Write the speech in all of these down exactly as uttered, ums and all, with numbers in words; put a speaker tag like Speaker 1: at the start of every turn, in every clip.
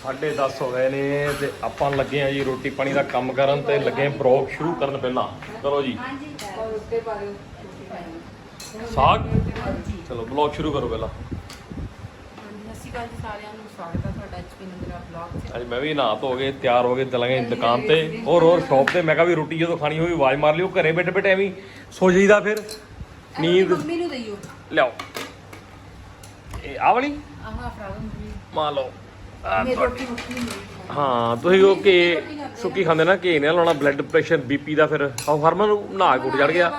Speaker 1: साढ़े दस हो गए ने ते आपां लगे हैं जी रोटी पानी का काम करन ते लगे ब्लॉग शुरू करन पहला करो जी साग चलो ब्लॉग शुरू करो पहला अज मैं भी नहा धो के तैयार हो गए चलांगे दुकान ते और और शॉप ते मैं कहा भी रोटी जो खानी होगी आवाज मार लियो घरे बैठे बैठे एवं सो जाइदा फिर नींद लियाओ आ वाली मान लो हाँ तुम वो घे सुक्की खाते ना घे नहीं लाना ब्लड प्रेशर बीपी का फिर आओ हरमन नहा गुट चढ़ गया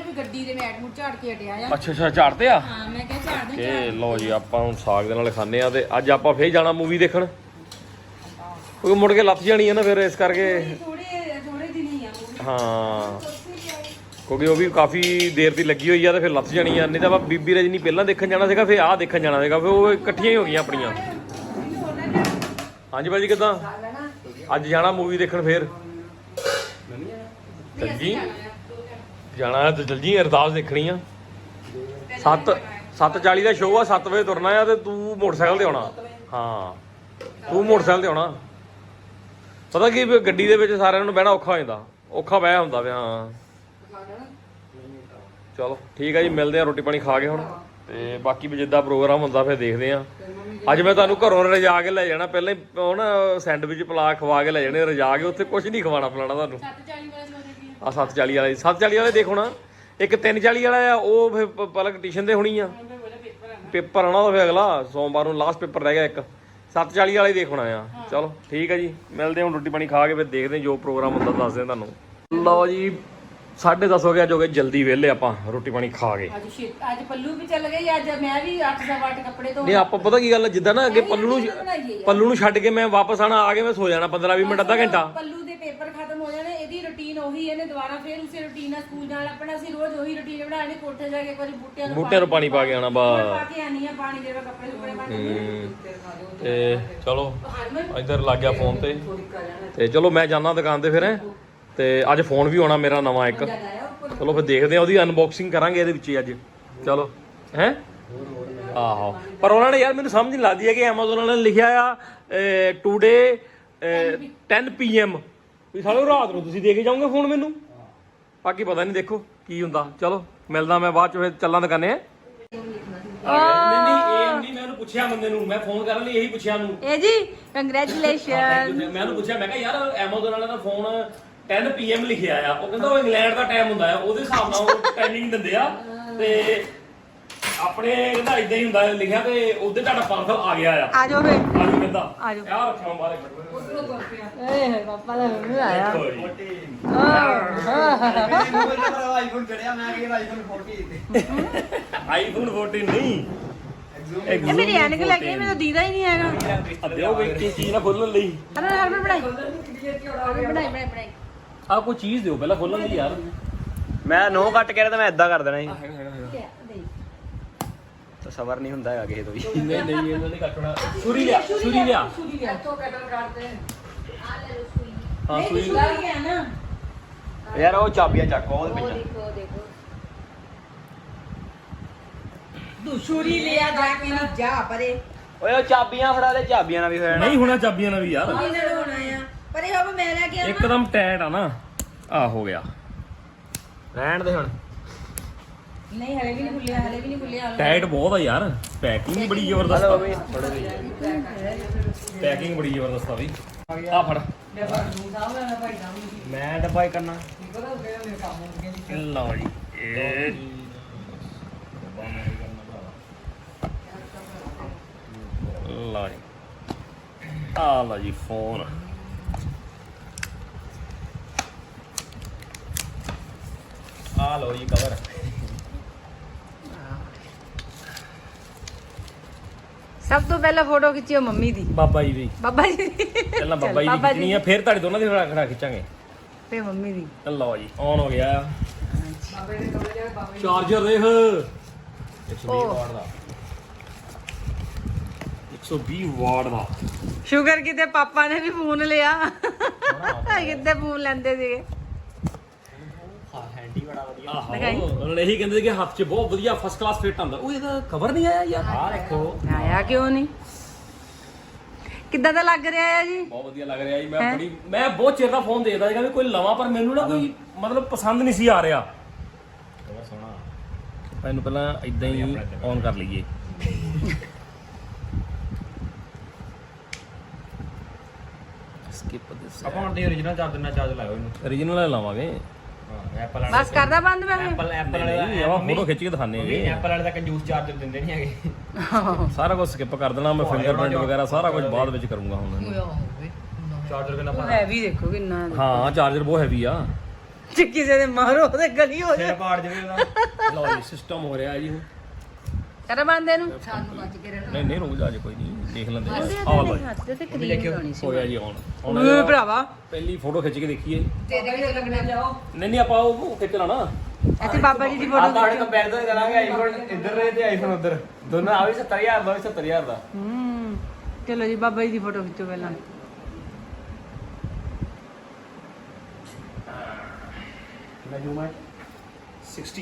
Speaker 1: अच्छा अच्छा झाड़ते आ के लो जी आप साग दे नाल खाने आ ते अज आप फिर जाना मूवी देखण क्योंकि मुड़ के लथ जानी है ना फिर इस करके हाँ क्योंकि वो भी काफ़ी देर की लगी हुई है तो फिर लथ जानी है नहीं तो आप बीबी रजनी पहला देखने जाना सीगा फिर आह देखने जाना सीगा फिर वो इकट्ठियां ही हो गई अपनियां हाँ जी भाजी किदां अज जाना मूवी देखण फिर चल जी जाना तो चल जी अरदास देखनी आ सत्त सत्त चाली का शो आ सत्त बजे तुरना है तो तू मोटरसाइकिल ते आउणा हाँ तू मोटरसाइकिल ते आउणा पता की गड्डी दे विच सारिਆਂ ਨੂੰ ਬਹਿਣਾ ਔਖਾ ਹੋ ਜਾਂਦਾ ਔਖਾ ਬਹਿ ਹੁੰਦਾ ਵੇ ਹਾਂ ਚਲੋ ਠੀਕ ਹੈ ਜੀ ਮਿਲਦੇ ਆ ਰੋਟੀ ਪਾਣੀ ਖਾ ਕੇ ਹੁਣ ਤੇ ਬਾਕੀ ਵੀ ਜਿੱਦਾਂ ਪ੍ਰੋਗਰਾਮ ਹੁੰਦਾ ਫਿਰ ਦੇਖਦੇ ਆ ਅੱਜ ਮੈਂ ਤੁਹਾਨੂੰ ਘਰੋਂ ਰਜਾ ਕੇ ਲੈ ਜਾਣਾ ਪਹਿਲਾਂ ਹੀ ਉਹ ਨਾ ਸੈਂਡਵਿਚ ਪਲਾ ਖਵਾ ਕੇ ਲੈ ਜਾਣੇ ਰਜਾ ਕੇ ਉੱਥੇ ਕੁਝ ਨਹੀਂ ਖਵਾਣਾ ਪਲਾਣਾ ਤੁਹਾਨੂੰ ਆ ਸੱਤ ਚਾਲੀ ਵਾਲੇ ਸੱਤ ਚਾਲੀ ਵਾਲੇ ਦੇਖੋ ਨਾ ਇੱਕ ਤਿੰਨ ਚਾਲੀ ਵਾਲਾ ਆ ਉਹ ਫਿਰ ਪਲਕ ਟਿਊਸ਼ਨ ਤੇ ਹੋਣੀ ਆ ਪੇਪਰ ਆਣਾ ਉਹ ਫਿਰ ਅਗਲਾ ਸੋਮਵਾਰ ਨੂੰ ਲਾਸਟ ਪੇਪਰ ਰਹਿ ਗਿਆ ਇੱਕ ਸੱਤ ਚਾਲੀ ਵਾਲਾ ਹੀ ਦੇਖਣਾ ਆ ਚਲੋ ਠੀਕ ਹੈ ਜੀ ਮਿਲਦੇ ਹੁਣ ਰੋਟੀ ਪਾਣੀ ਖਾ ਕੇ ਫਿਰ ਦੇਖਦੇ ਜੋ ਪ੍ਰੋਗਰਾਮ ਹੁੰਦਾ ਦੱਸਦੇ ਤੁਹਾਨੂੰ ਲਓ ਜੀ साढ़े दस हो गया जो जल्दी वेले आप रोटी पानी खा के
Speaker 2: आज पल्लू भी चल गई आज मैं भी आठ सवा आठ कपड़े तो
Speaker 1: नहीं आप पता की गल जिदा ना अगे पल्लू पल्लू नूं छड्ड के मैं वापस आना आ के मैं सो जाना पंद्रह बीस मिनट अद्धा घंटा
Speaker 2: पल्लू दे पेपर खत्म हो जाने एदी रूटीन ओही है ने दोबारा फिर उसी रूटीन ਨਾਲ ਸਕੂਲ ਜਾਣਾ ਆਪਣਾ ਅਸੀਂ ਰੋਜ਼ ਉਹੀ ਰੂਟੀਨ ਬਣਾਣੀ ਕੋਠੇ ਜਾ ਕੇ ਇੱਕ ਵਾਰੀ ਬੂਟਿਆਂ ਨੂੰ
Speaker 1: ਬੂਟਿਆਂ ਨੂੰ ਪਾਣੀ ਪਾ ਕੇ ਆਣਾ ਬਾ
Speaker 2: ਪਾ ਕੇ ਆਣੀ ਆ ਪਾਣੀ ਦੇਵਾ ਕੱਪੜੇ ਸੁੱਕਣੇ ਪਾ ਕੇ
Speaker 1: ਤੇ ਚਲੋ ਇੱਧਰ ਲੱਗ ਗਿਆ ਫੋਨ ਤੇ ਤੇ ਚਲੋ ਮੈਂ ਜਾਣਾ ਦੁਕਾਨ ਤੇ ਫਿਰ ਤੇ ਅੱਜ ਫੋਨ ਵੀ ਆਉਣਾ ਮੇਰਾ ਨਵਾਂ ਇੱਕ ਚਲੋ ਫਿਰ ਦੇਖਦੇ ਆ ਉਹਦੀ ਅਨਬਾਕਸਿੰਗ ਕਰਾਂਗੇ ਇਹਦੇ ਵਿੱਚ ਹੀ ਅੱਜ ਚਲੋ ਹੈ ਆਹੋ ਪਰ ਉਹਨਾਂ ਨੇ ਯਾਰ ਮੈਨੂੰ ਸਮਝ ਨਹੀਂ ਲੱਗਦੀ ਹੈ ਕਿ Amazon ਵਾਲਿਆਂ ਨੇ ਲਿਖਿਆ ਆ ਟੂਡੇ ten p m ਵੀ ਸਾਲੋ ਰਾਤ ਨੂੰ ਤੁਸੀਂ ਦੇ ਕੇ ਜਾਓਗੇ ਫੋਨ ਮੈਨੂੰ ਬਾਕੀ ਪਤਾ ਨਹੀਂ ਦੇਖੋ ਕੀ ਹੁੰਦਾ ਚਲੋ ਮਿਲਦਾ ਮੈਂ ਬਾਅਦ ਚ ਫਿਰ ਚੱਲਾਂ ਦੁਕਾਨੇ ਨਹੀਂ ਨਹੀਂ ਇਹ ਨਹੀਂ ਮੈਂ ਉਹਨੂੰ ਪੁੱਛਿਆ ਬੰਦੇ ਨੂੰ ਮੈਂ ਫੋਨ ਕਰਨ ਲਈ ਇਹੀ ਪੁੱਛਿਆ ਨੂੰ
Speaker 2: ਇਹ ਜੀ ਕੰਗ੍ਰੈਚੁਲੇਸ਼ਨ
Speaker 1: ਮੈਂ ਉਹਨੂੰ ਪੁੱਛਿਆ ਮੈਂ ਕਿਹਾ ਯਾਰ Amazon ਵਾਲਿਆਂ ਦਾ ਫੋਨ ten p m ਲਿਖਿਆ ਆ ਉਹ ਕਹਿੰਦਾ ਉਹ ਇੰਗਲੈਂਡ ਦਾ ਟਾਈਮ ਹੁੰਦਾ ਆ ਉਹਦੇ ਹਿਸਾਬ ਨਾਲ ਉਹ ਟਾਈਮਿੰਗ ਦਿੰਦੇ ਆ ਤੇ ਆਪਣੇ ਕਹਿੰਦਾ ਇਦਾਂ ਹੀ ਹੁੰਦਾ ਲਿਖਿਆ ਤੇ ਉਹਦੇ ਤੁਹਾਡਾ ਪਾਰਸਲ ਆ ਗਿਆ ਆ
Speaker 2: ਆ ਜਾਓ ਫੇ
Speaker 1: ਆ ਜਾਓ ਕਹਿੰਦਾ
Speaker 2: ਆ ਜਾਓ
Speaker 1: ਯਾਰ ਰੱਖਿਆ ਬਾਹਰ ਇੱਕ
Speaker 2: ਏ ਪਾਪਾ ਦਾ ਮੂੰਹ ਆਇਆ
Speaker 3: ਆਈਫੋਨ ਚੜਿਆ ਮੈਂ ਕਿਹਾ ਆਈਫੋਨ forty
Speaker 1: ਆਈਫੋਨ fourteen ਨਹੀਂ
Speaker 2: ਇਹ ਮੇਰੀ ਐਨਕ ਲੱਗੀ ਮੈਨੂੰ ਦੀਦਾ ਹੀ ਨਹੀਂ ਹੈਗਾ
Speaker 1: ਦਿਓ ਵੀ ਕੀ ਚੀਜ਼ ਨਾ ਖੋਲਣ ਲਈ
Speaker 2: ਅਰੇ ਹਰ ਬਣਾਈ ਬਣਾਈ ਬਣਾਈ ਬਣਾਈ
Speaker 1: ਆ ਕੋਈ ਚੀਜ਼ ਦਿਓ ਪਹਿਲਾਂ ਖੋਲਣ ਲਈ ਯਾਰ
Speaker 3: ਮੈਂ ਨੋ ਕੱਟ ਕੇ ਤਾਂ ਮੈਂ ਇਦਾਂ ਕਰ ਦੇਣਾ ਸੀ ਤਾਂ ਸਬਰ ਨਹੀਂ ਹੁੰਦਾ ਹੈਗਾ ਕਿਸੇ ਤੋਂ ਵੀ
Speaker 1: ਨਹੀਂ ਨਹੀਂ ਇਹਨਾਂ ਨੇ ਕੱਟਣਾ ਛੁਰੀ ਲਿਆ ਛੁਰੀ ਲਿਆ
Speaker 2: ਤੋਂ ਕਟਰ ਕਰਦੇ ਆ ਲੈ ਲੋ ਸੂਈ
Speaker 1: ਹਾਂ
Speaker 2: ਨਹੀਂ
Speaker 1: ਸੂਈ
Speaker 2: ਲੱਗ ਗਿਆ ਨਾ
Speaker 3: ਯਾਰ ਉਹ ਚਾਬੀਆਂ ਚੱਕ ਉਹਦੇ
Speaker 2: ਉਹ
Speaker 3: ਵਿੱਚ
Speaker 2: ਦੇਖੋ ਦੇਖੋ ਦੂਸ਼ੂਰੀ ਲਿਆ ਜਾ ਕੇ ਨਹੀਂ ਜਾ ਪਰੇ
Speaker 3: ਓਏ ਉਹ ਚਾਬੀਆਂ ਫੜਾ ਦੇ ਚਾਬੀਆਂ ਨਾਲ ਵੀ ਹੋਇਆ
Speaker 1: ਨਹੀਂ ਹੋਣਾ ਚਾਬੀਆਂ ਨਾਲ ਵੀ ਯਾਰ
Speaker 2: ਕਿਹਨੇ ਹੋਣਾ ਆ ਪਰ ਇਹ ਹਬ ਮੈਂ ਲੈ ਕੇ ਆਵਾਂ
Speaker 1: ਇੱਕਦਮ ਟਾਈਟ ਆ ਨਾ ਆ ਹੋ ਗਿਆ
Speaker 3: ਰਹਿਣ ਦੇ ਹੁਣ
Speaker 2: ਨਹੀਂ ਹਲੇ ਵੀ ਨਹੀਂ ਖੁੱਲਿਆ ਹਲੇ ਵੀ ਨਹੀਂ ਖੁੱਲਿਆ
Speaker 1: ਟਾਈਟ ਬਹੁਤ ਆ ਯਾਰ ਪੈਕਿੰਗ ਬੜੀ ਜ਼ਬਰਦਸਤ ਆ
Speaker 3: ਵੀ ਥੋੜੇ ਜਿਹੇ
Speaker 1: ਪੈਕਿੰਗ ਬੜੀ ਜ਼ਬਰਦਸਤ ਆ ਬਈ ਆ ਫੜ
Speaker 3: ਮੈਂ ਡੱਬਾ ਹੀ ਕਰਨਾ
Speaker 1: ਲਓ ਜੀ ਇਹ ਲਓ ਜੀ ਆ ਲਓ ਜੀ ਫੋਨ ਆ ਲਓ ਜੀ ਕਵਰ
Speaker 2: ਸਭ ਤੋਂ ਪਹਿਲਾਂ ਫੋਟੋ ਖਿੱਚਿਓ ਮੰਮੀ ਦੀ
Speaker 1: ਬਾਬਾ ਜੀ ਦੀ
Speaker 2: ਬਾਬਾ ਜੀ ਦੀ
Speaker 1: ਪਹਿਲਾਂ ਬਾਬਾ ਜੀ ਦੀ ਖਿੱਚਣੀ ਆ ਫਿਰ ਤੁਹਾਡੇ ਦੋਨਾਂ ਦੀ ਖੜਾ ਖੜਾ ਖਿੱਚਾਂਗੇ
Speaker 2: ਤੇ ਮੰਮੀ ਦੀ
Speaker 1: ਲਓ ਜੀ ਔਨ ਹੋ ਗਿਆ ਚਾਰਜਰ ਦੇਖ ਇੱਕ ਸੌ ਵੀਹ ਵਾਟ ਦਾ ਇੱਕ ਸੌ ਵੀਹ ਵਾਟ ਦਾ
Speaker 2: ਸ਼ੂਗਰ ਕਿਤੇ ਪਾਪਾ ਨੇ ਵੀ ਫੋਨ ਲਿਆ ਕਿਤੇ ਫੋਨ ਲੈਂਦੇ ਸੀਗੇ
Speaker 3: ਹੈਂਡੀ ਬੜਾ ਵਧੀਆ
Speaker 1: ਆਹੋ ਉਹਨਾਂ ਨੇ ਇਹੀ ਕਹਿੰਦੇ ਸੀ ਕਿ ਹੱਥ 'ਚ ਬਹੁਤ ਵਧੀਆ ਫਸਟ ਕਲਾਸ ਫਿੱਟ ਆਉਂਦਾ ਉਹ ਇਹਦਾ ਕਵਰ ਨਹੀਂ ਆਇਆ ਯਾਰ
Speaker 3: ਆ ਦੇਖੋ
Speaker 2: ਆਇਆ ਕਿਉਂ ਨਹੀਂ ਕਿੱਦਾਂ ਦਾ ਲੱਗ ਰਿਹਾ ਹੈ ਜੀ?
Speaker 1: ਬਹੁਤ ਵਧੀਆ ਲੱਗ ਰਿਹਾ ਜੀ। ਮੈਂ ਬੜੀ ਮੈਂ ਬਹੁਤ ਚਿਰ ਦਾ ਫੋਨ ਦੇਖਦਾ ਸੀਗਾ ਵੀ ਕੋਈ ਲਵਾਂ, ਪਰ ਮੈਨੂੰ ਨਾ ਕੋਈ ਮਤਲਬ ਪਸੰਦ ਨਹੀਂ ਸੀ ਆ ਰਿਹਾ। ਬਹੁਤ ਸੋਹਣਾ। ਇਹਨੂੰ ਪਹਿਲਾਂ ਇਦਾਂ ਹੀ ਔਨ ਕਰ ਲਈਏ। Skip this.
Speaker 3: ਆਪਾਂ ਹੁਣ ਤੇ origignal ਚਾਰਜਰ ਨਾਲ ਚਾਰਜ ਲਾਇਓ ਇਹਨੂੰ।
Speaker 1: origignal ਲਾਵਾਂਗੇ।
Speaker 3: ਹਾਂ ਐਪਲ ਵਾਲੇ
Speaker 2: ਬਸ ਕਰਦਾ ਬੰਦ ਮੈਂ
Speaker 3: ਐਪਲ ਐਪਲ ਵਾਲੇ
Speaker 1: ਨਹੀਂ ਆਪਾਂ ਫੋਟੋ ਖਿੱਚ ਕੇ ਦਿਖਾਣੇ
Speaker 3: ਵੀ
Speaker 1: ਹੈਗੇ।
Speaker 3: ਐਪਲ ਵਾਲੇ ਦਾ ਕੰਜੂਸ ਚਾਰਜਰ ਦਿੰਦੇ ਨਹੀਂ ਹੈਗੇ।
Speaker 1: ਸਾਰਾ ਕੁਝ ਸਕਿਪ ਕਰ ਦੇਣਾ ਮੈਂ, ਫਿੰਗਰਪ੍ਰਿੰਟ ਵਗੈਰਾ ਸਾਰਾ ਕੁਝ ਬਾਅਦ ਵਿੱਚ ਕਰੂੰਗਾ ਹੁਣ।
Speaker 3: ਚਾਰਜਰ ਕਿੰਨਾ ਭਾਰਾ
Speaker 2: ਹੈਵੀ ਦੇਖੋ ਕਿੰਨਾ।
Speaker 1: ਹਾਂ ਚਾਰਜਰ ਬਹੁਤ ਹੈਵੀ ਆ।
Speaker 2: ਜੇ ਕਿਸੇ ਦੇ ਮਾਰੋ ਤੇ ਗਲੀ ਹੋ
Speaker 3: ਸਿਰ ਪਾੜ ਜਵੇ ਉਹਦਾ।
Speaker 1: ਲਓ ਜੀ ਸਿਸਟਮ ਹੋ ਰਿਹਾ ਜੀ।
Speaker 2: ਕਰ ਬੰਦ ਇਹਨੂੰ। ਸਾਨੂੰ ਬਚ ਕੇ ਰਹਿਣਾ।
Speaker 1: ਨਹੀਂ ਨਹੀਂ ਰੁਕ ਜਾ, ਜੇ ਕੋਈ ਨਹੀਂ ਦੇਖ ਲੈਂਦੇ ਆ। ਆਹ ਲਓ ਜੀ,
Speaker 2: ਹੱਥ ਤੇ ਕਰੀਮ ਲਾਉਣੀ ਸੀ।
Speaker 1: ਹੋਇਆ ਜੀ ਔਨ। ਹੁਣ
Speaker 2: ਓਏ ਭਰਾਵਾ
Speaker 1: ਪਹਿਲੀ ਫੋਟੋ ਖਿੱਚ ਕੇ ਦੇਖੀਏ।
Speaker 2: ਤੇਰੇ ਕਿਤੇ ਲੱਗਣਾ ਜਾਓ।
Speaker 1: ਨਹੀਂ ਨਹੀਂ ਆਪਾਂ ਉਹ ਖਿੱਚ ਲੈਣਾ।
Speaker 2: ਇੱਥੇ ਬਾਬਾ ਜੀ ਦੀ
Speaker 3: ਆਪਾਂ
Speaker 2: ਫੋਟੋ
Speaker 3: ਹੁਣ ਕੰਪੈਰੀਜ਼ਨ ਕਰਾਂਗੇ ਆਈਫੋਨ ਇੱਧਰ ਰਹੇ ਤੇ ਆਈਫੋਨ ਉੱਧਰ। ਦੋਨੋਂ ਆ ਵੀ ਸੱਤਰ ਹਜ਼ਾਰ ਦਾ ਵੀ ਸੱਤਰ ਹਜ਼ਾਰ ਦਾ।
Speaker 2: ਹੂੰ ਚਲੋ ਜੀ ਬਾਬਾ ਜੀ ਦੀ ਫੋਟੋ ਖਿੱਚੋ ਪਹਿਲਾਂ।
Speaker 3: ਕਿੰਨਾ ਜ਼ੂਮ ਹੈ?
Speaker 1: ਸਾਠ।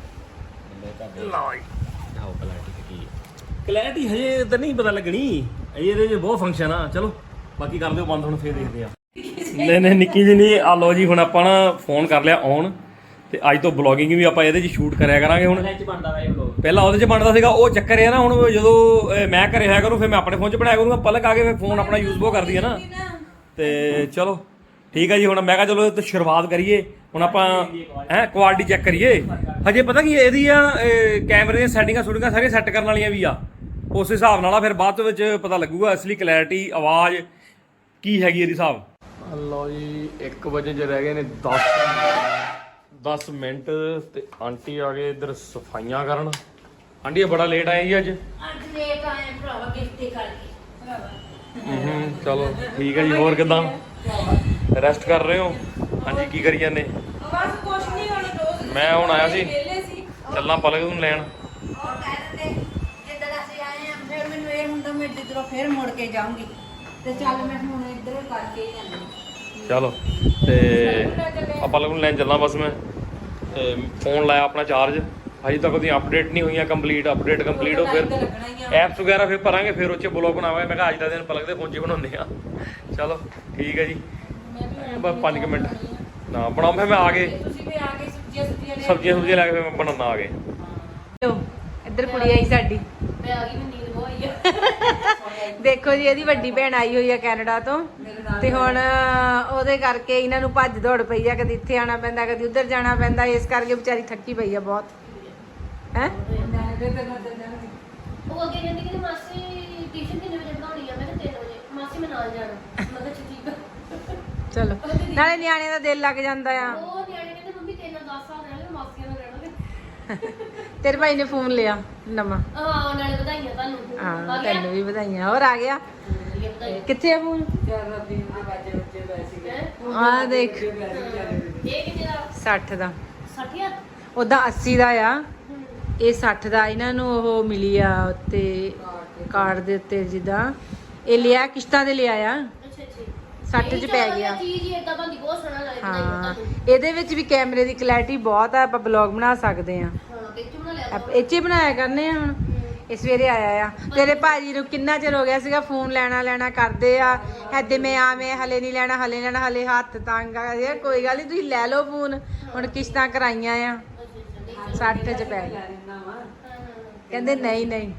Speaker 3: ਲਓ ਜੀ ਆਓ ਕੁਆਲਿਟੀ ਕੀ
Speaker 1: ਕਲੈਰਿਟੀ ਹਜੇ ਤਾਂ ਨਹੀਂ ਪਤਾ ਲੱਗਣੀ, ਇਹਦੇ ਚ ਬਹੁਤ ਫੰਕਸ਼ਨ ਆ। ਚਲੋ ਬਾਕੀ ਕਰ ਦਿਓ ਬੰਦ, ਹੁਣ ਫੇਰ ਦੇਖਦੇ ਆ। ਨਹੀਂ ਨਹੀਂ ਨਿੱਕੀ ਜੀ ਨਹੀਂ। ਆ ਲਓ ਜੀ ਹੁਣ ਆਪਾਂ ਨਾ ਫੋਨ ਕਰ ਲਿਆ ਔਨ, ਤੇ ਅੱਜ ਤੋਂ ਬਲੌਗਿੰਗ ਵੀ ਆਪਾਂ ਇਹਦੇ 'ਚ ਸ਼ੂਟ ਕਰਿਆ ਕਰਾਂਗੇ। ਹੁਣ
Speaker 3: ਚ ਬਣਦਾ ਵਾ ਇਹ ਵਲੋਗ।
Speaker 1: ਪਹਿਲਾਂ ਉਹਦੇ 'ਚ ਬਣਦਾ ਸੀਗਾ, ਉਹ ਚੱਕਰ ਇਹ ਆ ਨਾ ਹੁਣ ਜਦੋਂ ਅਹ, ਮੈਂ ਘਰੇ ਹੋਇਆ ਕਰੂੰ ਫਿਰ ਮੈਂ ਆਪਣੇ ਫੋਨ 'ਚ ਬਣਾਇਆ ਕਰੂੰਗਾ। ਪਲਕ ਆ ਕੇ ਫਿਰ ਫੋਨ ਆਪਣਾ ਯੂਜ਼ ਬਹੁਤ ਕਰਦੀ ਹੈ ਨਾ। ਤੇ ਚਲੋ ਠੀਕ ਹੈ ਜੀ। ਹੁਣ ਮੈਂ ਕਿਹਾ ਚਲੋ ਇਹ ਤੋਂ ਸ਼ੁਰੂਆਤ ਕਰੀਏ। ਹੁਣ ਆਪਾਂ ਹੈ ਕੁਆਲਿਟੀ ਚੈੱਕ ਕਰੀਏ। ਹਜੇ ਪਤਾ ਕੀ ਇਹਦੀਆਂ ਕੈਮਰੇ ਦੀਆਂ ਸੈਟਿੰਗਾਂ ਸ਼ੂਟਿੰਗਾਂ ਸਾਰੀਆਂ ਸੈੱਟ ਕਰਨ ਵਾਲੀਆਂ ਵੀ ਆ। ਉਸ ਹਿਸਾਬ ਨਾਲ ਆ ਫਿਰ ਬਾਅਦ ਵਿੱਚ ਪਤਾ ਲੱਗੂਗਾ ਅਸਲੀ ਕਲੈਰਿਟੀ ਆਵਾਜ਼ ਕੀ ਹੈਗੀ ਇਹਦੀ ਹਿਸਾਬ। ਲਓ ਜੀ ਇੱਕ ਵਜੇ ਜੇ ਰਹਿ ਗਏ ਨੇ ਦਸ ਦਸ ਮਿੰਟ ਤੇ ਆਂਟੀ ਆ ਗਏ ਇੱਧਰ ਸਫਾਈਆਂ ਕਰਨ। ਆਂਟੀ ਬੜਾ ਲੇਟ ਆਏ ਜੀ ਅੱਜ।
Speaker 2: ਅੱਜ ਲੇਟ ਆਏ ਭਰਾਵਾ ਗਿਫਟ ਕਰਕੇ ਭਰਾਵਾ।
Speaker 1: ਹੂੰ ਚਲੋ ਠੀਕ ਹੈ ਜੀ। ਹੋਰ ਕਿਦਾਂ ਰੈਸਟ ਕਰ ਰਹੇ ਹੋ? ਹਾਂਜੀ ਕੀ ਕਰੀ ਜਾਂਦੇ?
Speaker 2: ਬਸ ਕੁਛ ਨਹੀਂ ਹੁਣ ਰੋਜ਼
Speaker 1: ਮੈਂ ਹੁਣ ਆਇਆ ਸੀ
Speaker 2: ਵਿਹਲੇ ਸੀ।
Speaker 1: ਚੱਲਾਂ ਪਲਕ ਨੂੰ ਲੈਣ।
Speaker 2: ਔਰ ਕਹਿੰਦੇ ਜਿੱਦਾਂ ਅਸੀਂ ਆਏ ਆ ਫਿਰ ਮੈਨੂੰ ਇਹ ਹੁੰਦਾ ਮੈਂ ਇੱਧਰੋਂ ਫਿਰ ਮੁੜ ਕੇ ਜਾਊਂਗੀ ਤੇ ਚੱਲ ਮੈਂ ਹੁਣ ਇੱਧਰ ਕਰਕੇ ਹੀ ਜਾਂਦੀ।
Speaker 1: ਚਲੋ ਤੇ ਆਪਾਂ ਪਲਕ ਨੂੰ ਲੈਣ ਚੱਲਾਂ। ਬਸ ਮੈਂ ਫੋਨ ਲਾਇਆ ਆਪਣਾ ਚਾਰਜ। ਹਜੇ ਤੱਕ ਉਹਦੀ ਅਪਡੇਟ ਨਹੀਂ ਹੋਈਆਂ ਕੰਪਲੀਟ। ਅਪਡੇਟ ਕੰਪਲੀਟ ਹੋ ਫਿਰ ਐਪਸ ਵਗੈਰਾ ਫਿਰ ਭਰਾਂਗੇ, ਫਿਰ ਉੱਚੇ ਬਲੌਗ ਬਣਾਵਾਂਗੇ। ਮੈਂ ਕਿਹਾ ਅੱਜ ਦਾ ਦਿਨ ਪਲਕ ਦੇ ਫੋਨ 'ਚ ਬਣਾਉਂਦੇ ਆ। ਚਲੋ ਠੀਕ ਹੈ ਜੀ। ਬਸ ਪੰਜ ਕੁ ਮਿੰਟ ਨਾ ਬਣਾਉਂ ਫਿਰ ਮੈਂ ਆ ਗਏ।
Speaker 2: ਤੁਸੀਂ ਵੀ ਆ ਕੇ ਸਬਜ਼ੀਆਂ ਸੁਬਜ਼ੀਆਂ ਲੈ
Speaker 1: ਸਬਜ਼ੀਆਂ ਸੁਬਜ਼ੀਆਂ ਲੈ ਕੇ ਫਿਰ ਮੈਂ ਬਣਾਉਣਾ ਆ ਗਏ।
Speaker 2: ਲਓ ਇੱਧਰ ਕੁੜੀ ਆਈ ਸਾਡੀ।
Speaker 4: ਮੈਂ ਆ ਗਈ, ਮੈਂ ਨੀਂਦ ਬਹੁਤ ਆਈ ਆ।
Speaker 2: ਦੇਖੋ ਜੀ ਇਹਦੀ ਵੱਡੀ ਭੈਣ ਆਈ ਹੋਈ ਆ ਕੈਨੇਡਾ ਤੋਂ, ਤੇ ਹੁਣ ਉਹਦੇ ਕਰਕੇ ਇਹਨਾਂ ਨੂੰ ਭੱਜ ਦੌੜ ਪਈ ਆ। ਕਦੀ ਇੱਥੇ ਆਣਾ ਪੈਂਦਾ, ਕਦੀ ਉੱਧਰ ਜਾਣਾ ਪੈਂਦਾ। ਇਸ ਕਰਕੇ ਵਿਚਾਰੀ ਥੱਕੀ ਪਈ ਆ ਬਹੁਤ ਹੈ।
Speaker 4: ਉਹ ਅੱਗੇ ਕਹਿੰਦੀ ਕਿ ਮਾਸੀ ਟਿਊਸ਼ਨ ਕਿੰਨੇ ਵਜੇ ਪੜਾਉਣੀ ਆ? ਮੈਂ ਕਿਹਾ ਤਿੰਨ ਵਜੇ। ਮਾਸੀ ਮੈਂ ਨਾਲ ਜਾਣਾ। ਮੈਂ ਕਿਹਾ ਅੱਛਾ ਠੀਕ ਆ।
Speaker 2: ਚਲੋ ਨਾਲੇ ਨਿਆਣਿਆਂ ਦਾ ਦਿਲ ਲੱਗ ਜਾਂਦਾ ਆ।
Speaker 4: ਉਹ ਨਿਆਣੇ ਕਹਿੰਦੇ ਮੰਮੀ ਤਿੰਨ ਦਸ ਸਾਲ ਰਹਿਣਾ, ਮਾਸੀਆਂ ਨਾਲ ਰਹਿਣਾ।
Speaker 2: ਤੇਰੇ ਭਾਈ ਨੇ ਫੋਨ ਲਿਆ ਨਵਾਂ।
Speaker 4: ਹਾਂ ਨਾਲੇ ਵਧਾਈਆਂ ਤੁਹਾਨੂੰ।
Speaker 2: ਹਾਂ
Speaker 4: ਆ ਗਿਆ?
Speaker 2: ਤੈਨੂੰ ਵੀ ਵਧਾਈਆਂ। ਹੋਰ ਆ ਗਿਆ?
Speaker 4: ਵਧੀਆ ਵਧਾਈਆਂ।
Speaker 2: ਕਿੱਥੇ ਆ ਫੋਨ?
Speaker 4: ਹੈਂ?
Speaker 2: ਆ ਦੇਖ
Speaker 4: ਇਹ ਕਿੰਨੇ ਦਾ?
Speaker 2: ਸੱਠ ਦਾ।
Speaker 4: ਸੱਠ ਹਜ਼ਾਰ?
Speaker 2: ਉਹਦਾ ਅੱਸੀ ਦਾ ਆ,
Speaker 4: ਹੂੰ।
Speaker 2: ਇਹ ਸੱਠ ਦਾ। ਇਹਨਾਂ ਨੂੰ ਉਹ ਮਿਲੀ ਆ ਉੱਤੇ ਕਾਰਡ ਦੇ ਉੱਤੇ, ਜਿੱਦਾਂ ਇਹ ਲਿਆ ਕਿਸ਼ਤਾਂ ਦੇ ਲਿਆ ਆ।
Speaker 4: ਅੱਛਾ ਅੱਛਾ।
Speaker 2: ਸੱਠ ਚ ਪੈ ਗਿਆ।
Speaker 4: ਚੀਜ਼ ਹੀ ਏਦਾਂ ਬੰਦੀ ਬਹੁਤ ਸੋਹਣਾ ਲੱਗਦਾ
Speaker 2: ਹਾਂ
Speaker 4: ਤੁਹਾਨੂੰ।
Speaker 2: ਇਹਦੇ ਵਿੱਚ ਵੀ ਕੈਮਰੇ ਦੀ ਕਲੈਰਿਟੀ ਬਹੁਤ ਆ। ਆਪਾਂ ਬਲੌਗ ਬਣਾ ਸਕਦੇ ਆ।
Speaker 4: ਹਾਂ ਕਿੱਥੇ ਬਣਾ ਲਿਆ?
Speaker 2: ਆਪਾਂ ਇਹ 'ਚ ਹੀ ਬਣਾਇਆ ਕਰਨੇ ਆ। ਹੁਣ ਇਹ ਸਵੇਰੇ ਆਇਆ ਆ। ਤੇਰੇ ਭਾਜੀ ਨੂੰ ਕਿੰਨਾ ਚਿਰ ਹੋ ਗਿਆ ਸੀਗਾ ਫੋਨ ਲੈਣਾ ਲੈਣਾ ਕਰਦੇ ਆ। ਐਦੇ ਮੈਂ ਆਵੇਂ ਹਲੇ ਨਹੀਂ ਲੈਣਾ, ਹਲੇ ਲੈਣਾ, ਹਲੇ ਹੱਥ ਤੰਗ ਆ। ਯਾਰ ਕੋਈ ਗੱਲ ਨਹੀਂ, ਤੁਸੀਂ ਲੈ ਲਓ ਫੋਨ। ਹੁਣ ਕਿਸ਼ਤਾਂ ਕਰਾਈਆਂ ਆ, ਸੱਠ ਚ ਪੈ ਗਿਆ। ਕਹਿੰਦੇ ਨਹੀਂ ਨਹੀਂ।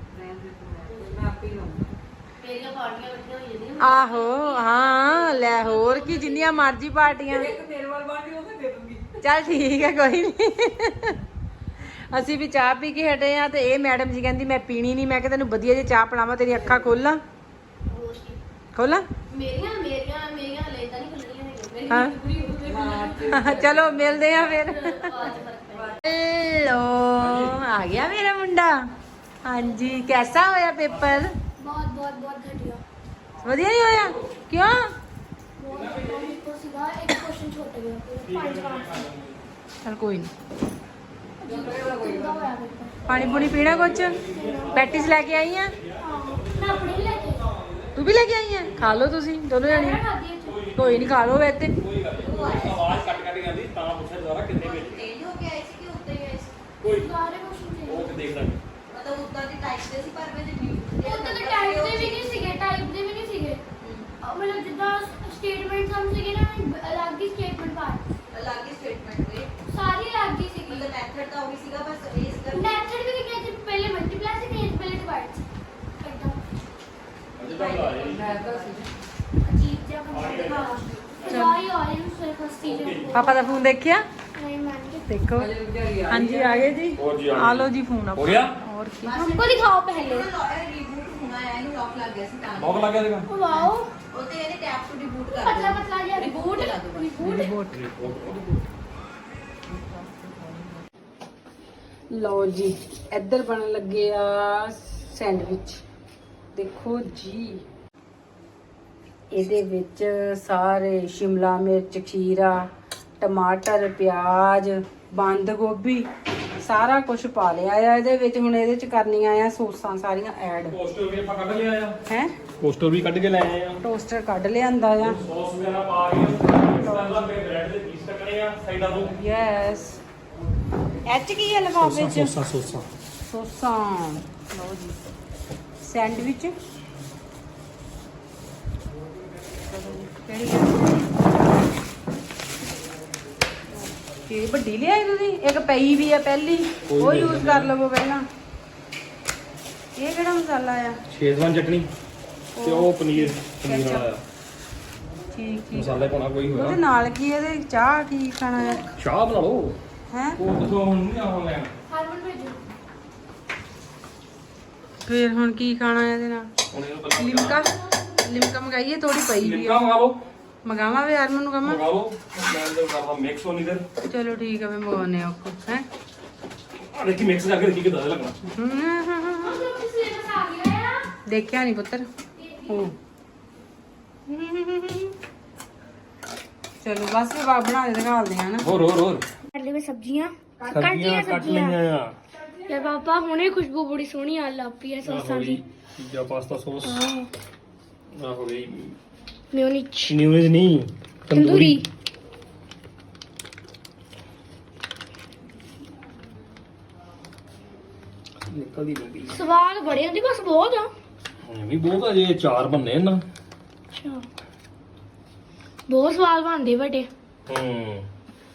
Speaker 4: ਮੇਰੀਆਂ ਪਾਰਟੀਆਂ ਇਕੱਠੀਆਂ ਹੋਈ ਜਾਂਦੀਆਂ।
Speaker 2: ਆਹੋ ਹਾਂ ਲੈ ਹੋਰ ਕੀ, ਜਿੰਨੀਆਂ ਮਰਜ਼ੀ ਪਾਰਟੀਆਂ। ਚੱਲ ਠੀਕ ਹੈ ਕੋਈ ਨਹੀਂ। ਅਸੀਂ ਵੀ ਚਾਹ ਪੀ ਕੇ ਹਟੇ ਆ, ਤੇ ਇਹ ਮੈਡਮ ਜੀ ਕਹਿੰਦੀ ਮੈਂ ਪੀਣੀ ਨਹੀਂ। ਮੈਂ ਕਿਹਾ ਤੈਨੂੰ ਵਧੀਆ ਜੇ ਚਾਹ ਪਿਲਾਵਾਂ, ਤੇਰੀ ਅੱਖਾਂ ਖੋਲਾਂ
Speaker 4: ਹੋਰ ਕੀ?
Speaker 2: ਖੋਲਾਂ।
Speaker 4: ਮੇਰੀਆਂ ਮੇਰੀਆਂ ਮੇਰੀਆਂ ਹਲੇ ਤਾਂ ਨਹੀਂ ਖੁੱਲੀਆਂ ਹੈਗੀਆਂ।
Speaker 2: ਹਾਂ।
Speaker 4: ਮੇਰੀ ਪੂਰੀ ਹੋ ਗਈ।
Speaker 2: ਚਲੋ ਮਿਲਦੇ ਆ ਫਿਰ।
Speaker 4: ਆਵਾਜ਼ ਫਰਕ ਪੈ
Speaker 2: ਹੈਲੋ ਆ ਗਿਆ ਮੇਰਾ ਮੁੰਡਾ। ਹਾਂਜੀ ਕੈਸਾ ਹੋਇਆ ਪੇਪਰ?
Speaker 4: ਬਹੁਤ ਬਹੁਤ ਬਹੁਤ ਘਟਿਆ।
Speaker 2: ਵਧੀਆ ਨਹੀਂ ਹੋਇਆ? ਕਿਉਂ?
Speaker 4: ਬਹੁਤ ਕੋ ਸੀਗਾ ਇੱਕ ਕੁਐਸਚਨ ਛੁੱਟ ਗਿਆ। ਪੰਜ ਮਾਰਕਸ
Speaker 2: ਚਲ ਕੋਈ ਨਹੀਂ।
Speaker 4: ਕਿੰਦਾ ਹੋਇਆ ਪੇਪਰ?
Speaker 2: ਪਾਣੀ ਪੂਣੀ ਪੀਣਾ ਕੁਛ? ਪੈਟੀਸ ਲੈ ਕੇ ਆਈ ਆ?
Speaker 4: ਮੈਂ ਆਪਣੇ ਹੀ ਲੈ ਕੇ
Speaker 2: ਤੂੰ ਵੀ ਲੈ ਕੇ ਆਈ ਆ? ਖਾ ਲਓ ਤੁਸੀਂ ਦੋਨੋਂ
Speaker 4: ਮੈਂ
Speaker 2: ਜਣੇ।
Speaker 4: ਖਾਦੀ ਉੱਥੇ।
Speaker 2: ਕੋਈ ਨਹੀਂ ਖਾ ਲਓ ਵੈਸੇ।
Speaker 1: ਆਵਾਜ਼ ਕੱਟ ਕੱਟ ਜਾਂਦੀ ਤਾਂ ਪੁੱਛਿਆ ਜ਼ਰਾ ਕਿੰਨੇ ਵਿੱਚ
Speaker 4: ਤੇਜ਼ ਹੋ ਕੇ ਆਏ ਸੀ ਕਿ ਉੱਤੇ ਹੀ ਆਏ ਸੀ?
Speaker 1: ਕੋਈ
Speaker 4: ਸਾਰੇ ਕੁਐਸਚਨ
Speaker 1: ਉਹ ਤੇ ਦੇਖ ਲਾਂਗੇ।
Speaker 4: ਮਤਲਬ ਉੱਦਾਂ ਦੀ ਟਾਈਪ ਦੇ ਸੀ, ਪਰ ਵਿੱਚ ਉੱਦਾਂ ਦੇ ਟਾਈਪ ਦੇ ਵੀ ਨਹੀਂ ਸੀਗੇ, ਟਾਈਪ ਦੇ ਵੀ ਨਹੀਂ ਸੀਗੇ। ਅਜੀਬ ਜਿਹਾ ਕੰਮ ਦਿਖਾਵਾ ਚਲਾਈ ਆ ਰਹੀ ਉਸ ਫਸਤੀ ਜੇ
Speaker 2: ਪਾਪਾ ਦਾ ਫੋਨ ਦੇਖਿਆ
Speaker 4: ਨਹੀਂ ਮੰਨ
Speaker 2: ਦੇਖੋ ਹਾਂਜੀ ਆ ਗਏ ਜੀ
Speaker 1: ਹੋਰ ਜੀ, ਆ
Speaker 2: ਆ ਲਓ ਜੀ ਫੋਨ
Speaker 1: ਹੋ ਗਿਆ
Speaker 2: ਹੋਰ ਕੀ
Speaker 4: हमको दिखाओ पहले
Speaker 1: ਲੌਕ ਲੱਗ ਗਿਆ ਦੇਖਾ
Speaker 4: वाओ पतला पतला जिहा रिबूट रिबूट
Speaker 2: ਲਓ ਜੀ ਇੱਧਰ ਬਣਨ ਲੱਗੇ ਆ ਸੈਂਡਵਿਚ ਦੇਖੋ ਜੀ ਇਹਦੇ ਵਿੱਚ ਸਾਰੇ ਸ਼ਿਮਲਾ ਮਿਰਚ ਖੀਰਾ ਟਮਾਟਰ ਪਿਆਜ਼ ਬੰਦ ਗੋਭੀ ਸਾਰਾ ਕੁਝ ਪਾ ਲਿਆ ਆ ਇਹਦੇ ਵਿੱਚ ਹੁਣ ਇਹਦੇ ਚ ਕਰਨੀਆਂ ਆ ਸੌਸਾਂ ਸਾਰੀਆਂ ਐਡ
Speaker 1: ਪੋਸਟਰ ਵੀ ਆਪਾਂ ਕੱਢ ਲਿਆ ਆ
Speaker 2: ਹੈ
Speaker 1: ਪੋਸਟਰ ਵੀ ਕੱਢ ਕੇ ਲੈ ਆਏ ਆ
Speaker 2: ਟੋਸਟਰ ਕੱਢ ਲਿਆਂਦਾ ਆ
Speaker 1: ਸੌਸ ਵਗੈਰਾ ਪਾ ਕੇ ਪਹਿਲਾਂ ਤੇ ਬ੍ਰੈਡ ਦੇ ਪੀਸ ਕੱਟਣੇ ਆ ਸਾਈਡਾਂ ਤੋਂ
Speaker 2: ਯੈਸ ਐਚ ਕੀ ਹੈ ਲਿਫਾਫੇ ਚ
Speaker 1: ਸੌਸਾ ਸੌਸਾ
Speaker 2: ਸੌਸਾਂ ਲਓ ਜੀ ਸੈਂਡਵਿਚ ਕਿਹੜੀ ਹੈ ਇਹ ਵੱਡੀ ਲਿਆਈ ਤੁਸੀਂ ਇੱਕ ਪਈ ਵੀ ਆ ਪਹਿਲੀ ਉਹ ਯੂਜ਼ ਕਰ ਲਵੋ ਪਹਿਲਾਂ ਇਹ ਕਿਹੜਾ ਮਸਾਲਾ ਆ
Speaker 1: ਸ਼ੇਜ਼ਵਾਨ ਚਟਨੀ ਤੇ ਉਹ ਪਨੀਰ ਪਨੀਰ ਵਾਲਾ ਆ
Speaker 2: ਠੀਕ ਠੀਕ
Speaker 1: ਮਸਾਲੇ ਪਾਉਣਾ ਕੋਈ
Speaker 2: ਉਹਦੇ
Speaker 1: ਹੋਇਆ
Speaker 2: ਨਾਲ ਕੀ ਇਹਦੇ ਚਾਹ ਕੀ ਖਾਣਾ ਹੈ
Speaker 1: ਚਾਹ ਬਣਾ ਲਓ
Speaker 2: ਹੈ
Speaker 1: ਉਹ ਦੱਸੋ ਹੁਣ ਨਹੀਂ ਆਉਣ ਲੈਣ
Speaker 4: हार्मोन भेजो
Speaker 2: ਫਿਰ ਹੁਣ ਕੀ ਖਾਣਾ ਇਹਦੇ ਨਾਲ
Speaker 1: ਹੁਣ ਇਹਨੂੰ ਪਹਿਲਾਂ
Speaker 2: ਲਿਮਕਾ ਲਿਮਕਾ ਮੰਗਾਈਏ ਥੋੜੀ ਪਈ ਵੀ
Speaker 1: ਲਿਮਕਾ
Speaker 2: ਆ
Speaker 1: ਮੰਗਾ ਲਓ
Speaker 2: ਮੰਗਾਵਾਂ ਵੀ ਹਰਮਨ ਨੂੰ ਕਹਾਂ
Speaker 1: ਮੰਗਾ ਲਓ ਮੈਂ ਅੰਦਰ ਕਰਦਾ ਮਿਕਸ ਹੋਣੀ ਦਰ
Speaker 2: ਚਲੋ ਠੀਕ ਆ ਮੈਂ ਮੰਗਾਉਣੇ ਆ ਹੈ
Speaker 1: ਆ ਦੇਖੀ ਮਿਕਸ ਕਰਕੇ ਦੇਖੀ ਕਿਦਾਂ ਲੱਗਣਾ
Speaker 4: हम लोग किस लिए बता गया यार
Speaker 2: ਦੇਖਿਆ ਨਹੀਂ ਪੁੱਤਰ ਉਹ ਚਲੋ ਬਸ ਵੀ ਬਾਪ ਬਣਾ ਦੇ ਦਿਖਾਉਂਦੇ ਆ ਨਾ
Speaker 1: ਹੋਰ ਹੋਰ ਹੋਰ
Speaker 4: करले में सब्जियां
Speaker 1: ਸਬਜ਼ੀਆਂ ਕੱਟ ਲਈਆਂ ਆ
Speaker 4: यार पापा हुने खुशबू बड़ी सोहनी आ लपी है
Speaker 1: ਆਹ
Speaker 4: सॉसां
Speaker 1: ਹੋ
Speaker 4: दी
Speaker 1: ਗਈ ਪੀਜ਼ਾ ਪਾਸਤਾ ਸੌਸ
Speaker 4: हां
Speaker 1: ਆ ਹੋ ਗਈ
Speaker 4: मेयोनीज
Speaker 1: ਨਿਊਜ਼ ਨਹੀਂ
Speaker 4: तंदूरी
Speaker 1: ਨਿਕਲਦੀ ਬੰਦੀ
Speaker 4: स्वाद बड़े होंदे बस बहुत आ
Speaker 1: ਇਹ ਵੀ ਬਹੁਤ ਆ ਜੇ ਚਾਰ ਬੰਨੇ ਨਾ
Speaker 4: अच्छा बहुत स्वाद बनदे बड़े
Speaker 1: ਹੂੰ